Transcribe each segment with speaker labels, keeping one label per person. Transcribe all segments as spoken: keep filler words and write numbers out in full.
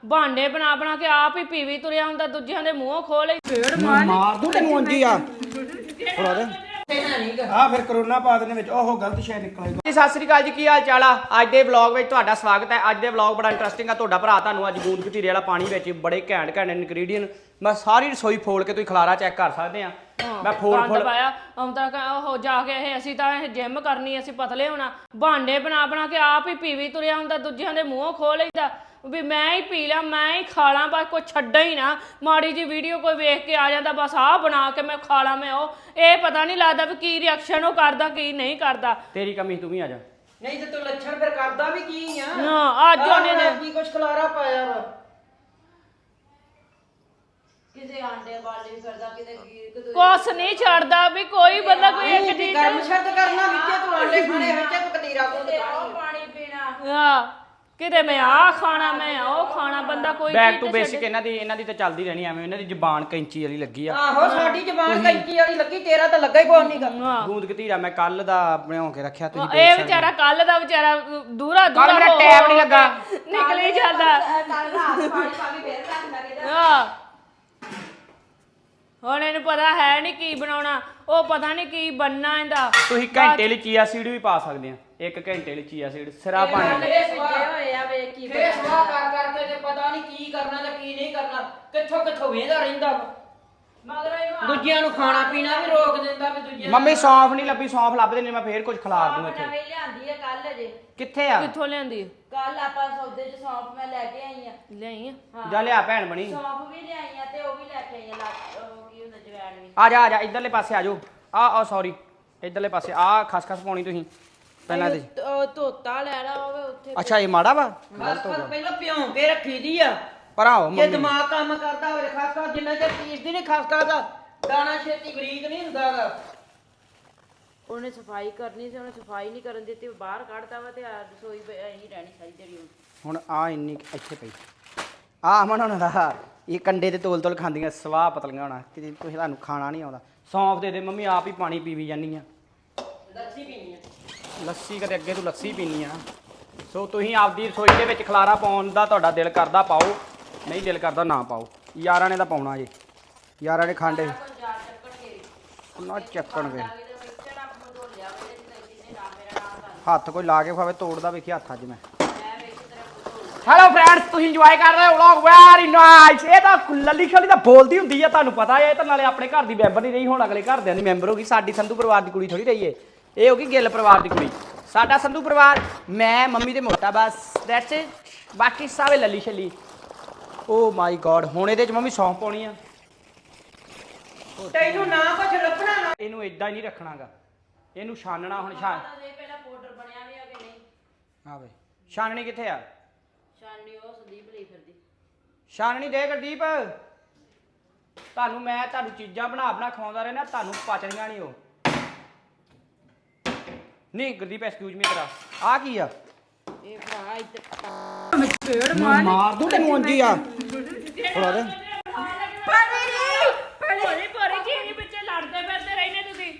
Speaker 1: ਭਾਂਡੇ ਬਣਾ ਬਣਾ ਕੇ ਆਪ ਹੀ ਪੀਵੀ ਤੁਰਿਆ ਹੁੰਦਾ, ਦੂਜਿਆਂ ਦੇ ਮੂੰਹੋਂ ਖੋਲ ਲਈ ਫੇੜ
Speaker 2: ਮਾਰ ਦੂੰ ਤੈਨੂੰ ਉਂਜੀ ਆ ਥੋੜਾ ਦੇ ਆ ਫਿਰ ਕਰੋਨਾ ਪਾ ਦੇਣੇ ਵਿੱਚ ਉਹ ਗਲਤ ਸ਼ੈ ਨਿਕਲੇਗਾ।
Speaker 3: ਜੀ ਸਤਿ ਸ੍ਰੀ ਅਕਾਲ ਜੀ, ਕੀ ਹਾਲ ਚਾਲ ਆ। ਅੱਜ ਦੇ ਵਲੌਗ ਵਿੱਚ ਤੁਹਾਡਾ ਸਵਾਗਤ ਹੈ। ਅੱਜ ਦੇ ਵਲੌਗ ਬੜਾ ਇੰਟਰਸਟਿੰਗ ਆ। ਤੁਹਾਡਾ ਭਰਾ ਤੁਹਾਨੂੰ ਅੱਜ ਗੂੰਦ ਕਤੀਰੇ ਵਾਲਾ ਪਾਣੀ ਵਿੱਚ ਬੜੇ ਘੈਂਟ ਘੈਂਟ ਇਨਗਰੀਡੀਅੰਟ ਮੈਂ ਸਾਰੀ ਰਸੋਈ ਫੋਲ ਕੇ ਤੁਸੀਂ ਖਲਾਰਾ ਚੈੱਕ ਕਰ ਸਕਦੇ ਆ। ਮੈਂ ਫੋਲ ਫੋਲ
Speaker 1: ਪਾਇਆ ਆਉਂਦਾ ਉਹ ਜਾ ਕੇ ਇਹ ਅਸੀਂ ਤਾਂ ਇਹ ਜਿਮ ਕਰਨੀ, ਅਸੀਂ ਪਤਲੇ ਹੋਣਾ। ਭਾਂਡੇ ਬਣਾ ਬਣਾ ਕੇ ਆਪ ਹੀ ਪੀਵੀ ਤੁਰਿਆ ਹੁੰਦਾ, ਦੂਜਿਆਂ ਦੇ ਮੂੰਹੋਂ ਖੋਲ ਲਈਦਾ ਵੀ ਮੈਂ ਹੀ ਪੀ ਲਾਂ, ਮੈਂ ਹੀ ਖਾ ਲਾਂ, ਬਸ ਕੋਈ ਛੱਡਾ ਹੀ ਨਾ। ਮਾੜੀ ਜੀ ਵੀਡੀਓ ਕੋਈ ਵੇਖ ਕੇ ਆ ਜਾਂਦਾ, ਬਸ ਆਹ ਬਣਾ ਕੇ ਮੈਂ ਖਾ ਲਾਂ। ਮੈਂ ਉਹ ਇਹ ਪਤਾ ਨਹੀਂ ਲੱਗਦਾ ਵੀ ਕੀ ਰਿਐਕਸ਼ਨ ਉਹ ਕਰਦਾ ਕੀ ਨਹੀਂ ਕਰਦਾ।
Speaker 3: ਤੇਰੀ ਕਮੀ ਤੂੰ ਵੀ ਆ ਜਾ।
Speaker 4: ਨਹੀਂ ਤੇ ਤੂੰ ਲੱਛਣ ਫਿਰ ਕਰਦਾ ਵੀ ਕੀ ਆ?
Speaker 1: ਹਾਂ ਅੱਜ ਉਹਨੇ ਨੇ
Speaker 4: ਕੀ ਕੁਛ ਖਲਾਰਾ ਪਾਇਆ ਵਾ।
Speaker 5: ਕਿਸੇ ਆਂਡੇ ਵਾਲੀ ਕਰਦਾ, ਕਿਤੇ ਕਿਤੇ
Speaker 1: ਕੁਛ ਨਹੀਂ ਛੱਡਦਾ ਵੀ ਕੋਈ ਬੰਦਾ ਕੋਈ ਇੱਕ ਚੀਜ਼
Speaker 4: ਗਰਮ ਸ਼ਰਤ ਕਰਨਾ ਵਿੱਚੇ ਤੂੰ ਆਂਡੇ ਖਾਣੇ ਵਿੱਚੇ ਤੂੰ ਕਤੀਰਾ ਗੁੰਦ
Speaker 5: ਉਹ
Speaker 4: ਖਾਣੀ।
Speaker 5: ਪਾਣੀ ਪੀਣਾ।
Speaker 1: ਹਾਂ ਕਿਤੇ ਮੈਂ ਆਹ ਖਾਣਾ ਮੈਂ ਉਹ ਖਾਣਾ, ਬੰਦਾ ਕੋਈ
Speaker 3: ਬੈਕ
Speaker 1: ਚੀਜ਼
Speaker 3: ਟੂ
Speaker 1: ਤੇ
Speaker 3: ਬੇਸਿਕ
Speaker 1: ਛੱਡੇ।
Speaker 3: ਇਹਨਾਂ ਦੀ ਇਹਨਾਂ ਦੀ ਤਾਂ ਚੱਲਦੀ ਰਹਿਣੀ ਐਵੇਂ। ਇਹਨਾਂ ਦੀ ਜ਼ਬਾਨ ਕੈਂਚੀ ਵਾਲੀ ਲੱਗੀ ਆ।
Speaker 4: ਆਹੋ ਸਾਡੀ ਜ਼ਬਾਨ ਕੈਂਚੀ ਵਾਲੀ ਲੱਗੀ, ਤੇਰਾ ਤਾਂ ਲੱਗਾ ਹੀ ਕੋਈ ਨਹੀਂ ਗਾ।
Speaker 1: ਹਾਂ
Speaker 3: ਗੂੰਦ ਕਤੀਰਾ ਮੈਂ ਕੱਲ ਦਾ ਬਣਾ ਕੇ ਰੱਖਿਆ, ਤੁਸੀਂ
Speaker 1: ਇਹ
Speaker 3: ਦੇਖ ਸਕਦੇ
Speaker 1: ਵਿਚਾਰਾ ਕੱਲ ਦਾ ਵਿਚਾਰਾ ਦੂਰਾ ਦੂਰਾ
Speaker 3: ਕੱਲ ਮੇਰਾ
Speaker 1: ਹੋ-
Speaker 3: ਟੈਬ ਨਹੀਂ ਲੱਗਾ।
Speaker 1: ਨਿਕਲੀ ਜਾਂਦਾ।
Speaker 5: ਕੱਲ ਰਾਤ ਪਾਣੀ ਪਾ ਕੇ ਫੇਰ ਰੱਖ ਲੱਗੇ ਜਾ।
Speaker 1: ਹਾਂ ਹੁਣ ਇਹਨੂੰ ਪਤਾ ਹੈ ਨਹੀਂ ਕੀ ਬਣਾਉਣਾ, ਉਹ ਪਤਾ ਨਹੀਂ ਕੀ ਬਣਨਾ ਇਹਦਾ।
Speaker 3: ਤੁਸੀਂ ਘੰਟੇ ਲਈ ਚੀਆ ਸੀਡ ਵੀ ਪਾ ਸਕਦੇ ਆ। ਇੱਕ ਘੰਟੇ ਲਈ ਚੀਆ ਸੀਡ ਸਿਰਾ ਪਾਣੀ।
Speaker 5: ਇਹ ਭਿੱਜੇ ਹੋਏ ਆ, ਵੇਖ ਕੀ
Speaker 4: ਫੇਰ ਸਵਾਹ ਕਰ ਕਰਕੇ ਤੇ ਪਤਾ ਨਹੀਂ ਕੀ ਕਰਨਾ ਤੇ ਕੀ ਨਹੀਂ ਕਰਨਾ, ਕਿੱਥੋਂ ਕਿੱਥੋਂ ਵੇਂਦਾ ਰਹਿੰਦਾ ਵਾ।
Speaker 5: ਮਗਰ ਇਹਨੂੰ
Speaker 4: ਦੂਜਿਆਂ ਨੂੰ ਖਾਣਾ ਪੀਣਾ ਵੀ ਰੋਕ ਦਿੰਦਾ ਵੀ ਦੂਜਿਆਂ
Speaker 3: ਮੰਮੀ ਸੌਂਫ ਨਹੀਂ ਲੱਭੀ, ਸੌਂਫ ਲੱਭਦੇ ਨੇ ਮੈਂ ਫੇਰ ਕੁਝ ਖਿਲਾਰ ਦੂੰ
Speaker 5: ਆਪ
Speaker 3: ਇੱਥੇ।
Speaker 5: ਨਵੀਂ ਲਿਆਂਦੀ ਆ ਕੱਲ ਜੇ।
Speaker 3: ਕਿੱਥੇ ਆ?
Speaker 1: ਕਿੱਥੋਂ ਲਿਆਂਦੀ
Speaker 5: ਕੱਲ ਆਪਾਂ ਸੌਦੇ ਚ ਸੌਂਫ ਮੈਂ ਲੈ ਕੇ ਆਈ ਆ।
Speaker 1: ਲਿਆਈ ਆ?
Speaker 5: ਹਾਂ
Speaker 3: ਜਾ ਲਿਆ ਭੈਣ ਬਣੀ।
Speaker 5: ਸੌਂਫ ਵੀ ਲਿਆਈ ਆ ਤੇ ਉਹ ਵੀ ਲੈ ਕੇ ਆਈ ਆ। ਲੱਗ ਉਹ ਕੀ ਹੁੰਦਾ ਜਵੈਣ ਵੀ।
Speaker 3: ਆ ਜਾ ਆ ਜਾ ਇਧਰਲੇ ਪਾਸੇ ਆ ਜਾਓ। ਆ ਆ ਸੌਰੀ ਇਧਰਲੇ ਪਾਸੇ ਆ ਖਸ ਖਸ ਪਾਉਣੀ ਤੁਸੀਂ ਪਹਿਲਾਂ ਦੇ।
Speaker 5: ਉਹ ਧੋਤਾ ਲੈਣਾ ਹੋਵੇ ਉੱਥੇ।
Speaker 3: ਅੱਛਾ ਇਹ ਮਾੜਾ ਵਾ
Speaker 4: ਖਾਸ ਖਾਸ ਪਹਿਲਾਂ ਭਿਉਂ ਕੇ ਰੱਖੀ ਦੀ ਆ।
Speaker 3: ਪਰ ਆਓ
Speaker 4: ਜੇ
Speaker 3: ਮੰਮੀ
Speaker 4: ਦਿਮਾਗ ਕੰਮ ਕਰਦਾ ਹੋਵੇ ਖਾਸ ਖਾਸ ਜਿੰਨਾ ਚਿਰ ਪੀਸਦੀ ਨਹੀਂ ਖਾਸ ਖਾਸ ਦਾ ਦਾਣਾ ਛੇਤੀ ਬਰੀਕ ਨਹੀਂ ਹੁੰਦਾ ਗਾ।
Speaker 5: ਉਹਨੇ ਸਫਾਈ ਕਰਨੀ ਸੀ, ਉਹਨੇ ਸਫਾਈ ਨਹੀਂ ਕਰਨ ਦਿੱਤੀ, ਬਾਹਰ ਕੱਢਤਾ ਵਾ ਤੇ ਆ ਰਸੋਈ ਐਂ ਰਹਿਣੀ ਸਾਰੀ ਦਿਹਾੜੀ ਹੁਣ।
Speaker 3: ਹੁਣ ਆ ਇੰਨੀ ਕੁ ਇੱਥੇ ਪਈ ਆ ਅਮਨ ਉਹਨਾਂ ਦਾ ਇਹ ਕੰਡੇ ਤੇ ਤੋਲ ਤੋਲ ਖਾਂਦੀਆਂ ਸਵਾਹ ਪਤਲੀਆਂ ਹੋਣਾ ਕਿ ਤੁਸੀਂ ਤੁਹਾਨੂੰ ਖਾਣਾ ਨਹੀਂ ਆਉਂਦਾ। ਸੌਂਫ ਦੇ ਦੇ ਮੰਮੀ, ਆਪ ਹੀ ਪਾਣੀ ਪੀਵੀ ਜਾਂਦੀ ਆ।
Speaker 4: ਲੱਸੀ ਪੀਣੀ ਆ।
Speaker 3: ਲੱਸੀ ਕਦੇ ਅੱਗੇ ਤੂੰ ਲੱਸੀ ਪੀਣੀ ਆ। ਸੋ ਤੁਸੀਂ ਆਪਦੀ ਰਸੋਈ ਦੇ ਵਿੱਚ ਖਲਾਰਾ ਪਾਉਣ ਦਾ ਤੁਹਾਡਾ ਦਿਲ ਕਰਦਾ ਪਾਓ, ਨਹੀਂ ਦਿਲ ਕਰਦਾ ਨਾ ਪਾਓ। ਯਾਰਾਂ ਨੇ ਤਾਂ ਪਾਉਣਾ ਜੇ, ਯਾਰਾਂ ਨੇ ਖਾਂਡੇ ਨਾ ਚੱਕਣਗੇ। ਹੱਥ ਕੋਈ ਲਾ ਕੇ ਖਾਵੇ ਤੋੜਦਾ ਵੇਖੀ ਹੱਥ ਅੱਜ ਮੈਂ। ਹੈਲੋ ਫਰੈਂਡਸ, ਤੁਸੀਂ ਇੰਜੋਏ ਕਰ ਰਹੇ ਹੋ ਵਲੌਗ ਵੈਰੀ ਨਾਈਸ। ਇਹ ਤਾਂ ਲੱਲੀ ਖਲੀ ਤਾਂ ਬੋਲਦੀ ਹੁੰਦੀ ਆ, ਤੁਹਾਨੂੰ ਪਤਾ ਹੈ। ਇਹ ਤਾਂ ਨਾਲੇ ਆਪਣੇ ਘਰ ਦੀ ਮੈਂਬਰ ਨਹੀਂ ਰਹੀ, ਹੁਣ ਅਗਲੇ ਘਰਦਿਆਂ ਦੀ ਮੈਂਬਰ ਹੋ ਗਈ। ਸਾਡੀ ਸੰਧੂ ਪਰਿਵਾਰ ਦੀ ਕੁੜੀ ਥੋੜੀ ਰਹੀ ਏ, ਇਹ ਹੋ ਗਈ ਗਿੱਲ ਪਰਿਵਾਰ ਦੀ ਕੁੜੀ। ਸਾਡਾ ਸੰਧੂ ਪਰਿਵਾਰ ਮੈਂ ਮੰਮੀ ਤੇ ਮੋਟਾ ਬਸ ਦੈਟਸ ਇਟ, ਬਾਕੀ ਸਾਰੇ ਲੱਲੀ ਛੱਲੀ। ਓ ਮਾਈ ਗॉड, ਹੁਣ ਇਹਦੇ ਚ ਮੰਮੀ ਸੌਂਫ ਪਾਉਣੀ ਆ।
Speaker 4: ਤੈਨੂੰ ਨਾ ਕੁਛ ਲੱਭਣਾ ਨਾ।
Speaker 3: ਇਹਨੂੰ ਇਦਾਂ ਹੀ ਨਹੀਂ ਰੱਖਣਾਗਾ, ਇਹਨੂੰ ਛਾਨਣਾ। ਹੁਣ ਛਾਨ
Speaker 5: ਪਹਿਲਾਂ ਪਾਊਡਰ ਬਣਿਆ ਵੀ ਆ ਕਿ ਨਹੀਂ?
Speaker 3: ਆ ਵੇ ਛਾਨਣੀ ਕਿੱਥੇ ਆ?
Speaker 5: ਸ਼ਾਨੀ ਉਹ ਸੰਦੀਪ ਲਈ ਫਿਰਦੀ।
Speaker 3: ਛਾਨਣੀ ਦੇ ਗੁਰਦੀਪ। ਤੁਹਾਨੂੰ ਮੈਂ ਤੁਹਾਨੂੰ ਚੀਜ਼ਾਂ ਬਣਾ ਬਣਾ ਖਵਾਉਂਦਾ ਰਹਿਣਾ, ਤੁਹਾਨੂੰ ਪਚਣੀਆਂ ਨਹੀਂ ਉਹ। ਨਹੀਂ ਗੁਰਦੀਪ ਐਕਸਕਿਊਜ਼ ਮੀ ਤੇਰਾ ਆ ਕੀ ਆ?
Speaker 5: ਇਹ ਭਰਾ ਇੱਧਰ
Speaker 2: ਮਾਰ ਦੂੰ ਤੈਨੂੰ ਉਂਜੀ ਆ ਥੋੜਾ ਦੇ
Speaker 1: ਭੋਰੀ ਭੋਰੀ ਚੀਨੀ ਪਿੱਛੇ ਲੜਦੇ ਫਿਰਦੇ ਰਹਿੰਦੇ ਤੁਸੀਂ।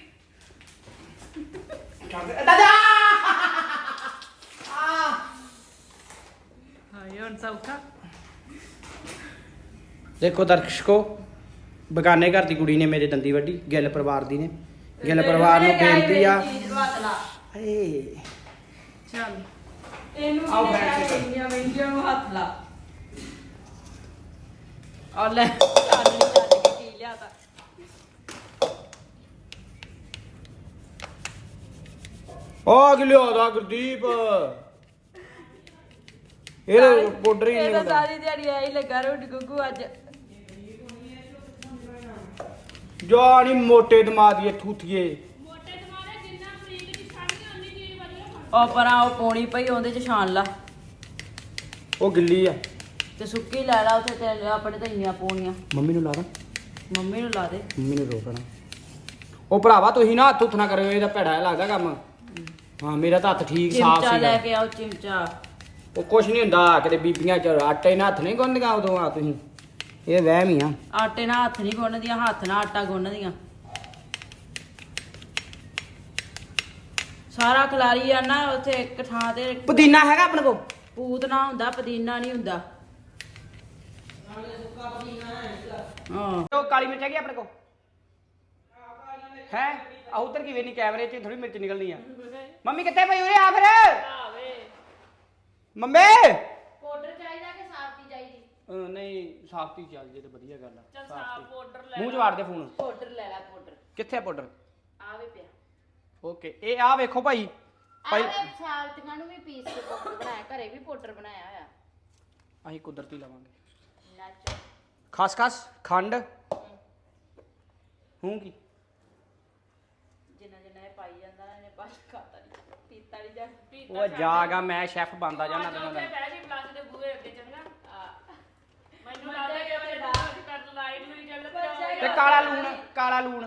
Speaker 1: ਹਾਏ ਹੁਣ ਸੌਖਾ।
Speaker 3: ਦੇਖੋ ਦਰਸ਼ਕੋ, ਬਗਾਨੇ ਘਰ ਦੀ ਕੁੜੀ ਨੇ ਮੇਰੇ ਦੰਦੀ ਵੱਢੀ, ਗਿੱਲ ਪਰਿਵਾਰ ਦੀ ਨੇ। ਗਿੱਲ ਪਰਿਵਾਰ ਨੂੰ ਬੇਨਤੀ ਆ ਏ
Speaker 1: ਚੱਲ
Speaker 5: ਇਹਨੂੰ
Speaker 3: ਆਓ
Speaker 5: ਵੀ
Speaker 3: ਬੈਠ ਕੇ
Speaker 5: ਲੈ ਇੰਨੀਆਂ ਮਹਿੰਗੀਆਂ ਨੂੰ ਹੱਥ ਲਾ। ਆ ਲੈ ਚਾਲੀ ਚੱਲ ਕੇ ਪੀ ਲਿਆ ਤਾਂ।
Speaker 3: ਆ ਕਿ ਲਿਆਦਾ ਗੁਰਦੀਪ, ਇਹ ਪਾਊਡਰ ਹੀ
Speaker 5: ਇਹ
Speaker 3: ਨਹੀਂ
Speaker 5: ਤਾਂ
Speaker 3: ਹੁੰਦਾ।
Speaker 5: ਸਾਰੀ ਦਿਹਾੜੀ ਐ ਹੀ ਲੱਗਾ ਰੋਟੀ ਗੁੱਗੂ ਅੱਜ।
Speaker 3: ਜਾ ਨੀ ਮੋਟੇ ਦਿਮਾਗ ਦੀ ਥੂਥੀਏ।
Speaker 1: ਮੋਟੇ ਦਿਮਾਗੇ ਜਿੰਨਾ ਫਰੀਕ ਦੀ ਸਾਡੀ ਉਨੀ ਚੀਜ਼ ਵਧੀਆ।
Speaker 5: ਉਹ ਪਰਾਂ ਉਹ ਪੌਣੀ ਪਈ ਉਹਦੇ ਚ ਛਾਣ ਲਾ
Speaker 3: ਉਹ ਗਿੱਲੀ ਆ।
Speaker 5: ਤੇ ਸੁੱਕੀ ਲੈ ਲਾ ਉੱਥੇ ਤੇ ਆਪਣੇ ਤਾਂ ਇੰਨੀਆਂ ਪੌਣੀਆਂ।
Speaker 3: ਮੰਮੀ ਨੂੰ ਲਾ ਦਾਂ?
Speaker 5: ਮੰਮੀ ਨੂੰ ਲਾ ਦੇ।
Speaker 3: ਮੰਮੀ ਨੂੰ ਰੋਕਣਾ। ਉਹ ਭਰਾਵਾ ਤੁਸੀਂ ਨਾ ਹੱਥ ਹੁੱਥ ਨਾ ਕਰਿਓ, ਇਹਦਾ ਭੈੜਾ ਜਿਹਾ ਲੱਗਦਾ ਕੰਮ। ਹਾਂ ਮੇਰਾ ਤਾਂ ਹੱਥ ਠੀਕ ਸਾਫ
Speaker 5: ਚਿਮਚਾ ਲੈ
Speaker 3: ਸੀਗਾ।
Speaker 5: ਕੇ ਆਓ ਚਿਮਚਾ।
Speaker 3: ਉਹ ਕੁਛ ਨਹੀਂ ਹੁੰਦਾ, ਕਿਤੇ ਬੀਬੀਆਂ ਚ ਆਟੇ ਨਾਲ ਹੱਥ ਨਹੀਂ ਗੁੰਨਦੀਆਂ ਉਦੋਂ ਆ ਤੁਸੀਂ। ਇਹ ਵਹਿਮ ਹੀ ਆ।
Speaker 5: ਆਟੇ ਨਾਲ ਹੱਥ ਨਹੀਂ ਗੁੰਨਦੀਆਂ, ਹੱਥ ਨਾਲ ਆਟਾ ਗੁੰਨਦੀਆਂ। ਸਾਰਾ ਖਲਾਰੀ ਆ ਨਾ ਉੱਥੇ ਇੱਕ ਥਾਂ ਤੇ।
Speaker 3: ਪੁਦੀਨਾ ਹੈਗਾ ਆਪਣੇ ਕੋਲ?
Speaker 5: ਪੂਤਨਾ ਹੁੰਦਾ, ਪੁਦੀਨਾ ਨਹੀਂ ਹੁੰਦਾ।
Speaker 3: ਹਾਂ ਉਹ ਕਾਲੀ ਮਿਰਚ ਹੈਗੀ ਆਪਣੇ ਕੋਲ ਹੈ ਆ ਉਧਰ ਕੀ ਵੇਨੀ ਕੈਮਰੇ 'ਚ ਥੋੜੀ ਮਿਰਚ ਨਿਕਲਣੀ ਆ ਮੰਮੀ ਕਿੱਥੇ ਪਈ ਉਰੇ ਆ ਫਿਰ
Speaker 1: ਆਵੇ
Speaker 3: ਮੰਮੀ
Speaker 5: ਪਾਊਡਰ ਚਾਹੀਦਾ ਕਿ ਸਾਫਤੀ ਚਾਹੀਦੀ?
Speaker 3: ਅਹ ਨਹੀਂ ਸਾਫਤੀ ਚੱਲ ਜੇ ਤੇ ਵਧੀਆ ਗੱਲ ਆ
Speaker 1: ਚੱਲ ਸਾਫ ਪਾਊਡਰ ਲੈ
Speaker 3: ਮੂੰਹ 'ਚ ਵਾੜ ਦੇ ਫੋਨ
Speaker 5: ਪਾਊਡਰ ਲੈ ਲੈ ਪਾਊਡਰ।
Speaker 3: ਕਿੱਥੇ ਆ ਪਾਊਡਰ
Speaker 5: ਆਵੇ ਪਿਆ।
Speaker 3: ਓਕੇ ਇਹ ਆ ਵੇਖੋ ਭਾਈ ਭਾਈ
Speaker 5: ਆਵੇ ਸਾਲਤੀਆਂ ਨੂੰ ਵੀ ਪੀਸ ਕੇ ਪਾਊਡਰ ਬਣਾਇਆ, ਘਰੇ ਵੀ ਪਾਊਡਰ ਬਣਾਇਆ ਹੋਇਆ।
Speaker 3: ਅਸੀਂ ਕੁਦਰਤੀ ਲਵਾਂਗੇ
Speaker 5: ਨੱਚ
Speaker 3: ਖਾਸ ਖਾਸ ਖੰਡ ਹੂੰ ਕੀ
Speaker 5: ਜਿੰਨਾ ਜਿੰਨਾ ਇਹ ਪਾਈ ਜਾਂਦਾ ਨਾ ਇਹਨੇ ਬਸ ਖਾਤਾ ਨਹੀਂ ਪੀਤਾ ਨਹੀਂ ਜਾ
Speaker 3: ਉਹ ਜਾਗਾ ਮੈਂ ਸ਼ੈਫ ਬਣਦਾ ਜਾਣਾ ਦਿਨਾਂ ਦਾ
Speaker 1: ਬਹਿ ਜੀ ਪਲੱਸ ਦੇ ਬੂਹੇ ਅੱਗੇ ਚੰਗਾ ਮੈਨੂੰ ਲੱਗਦਾ ਕਿ ਮੇਰੇ ਦਾਸ ਕੱਟ ਲਾਈਟ ਨੂੰ ਹੀ ਚੱਲ ਪਿਆ
Speaker 3: ਤੇ ਕਾਲਾ ਲੂਣ ਕਾਲਾ ਲੂਣ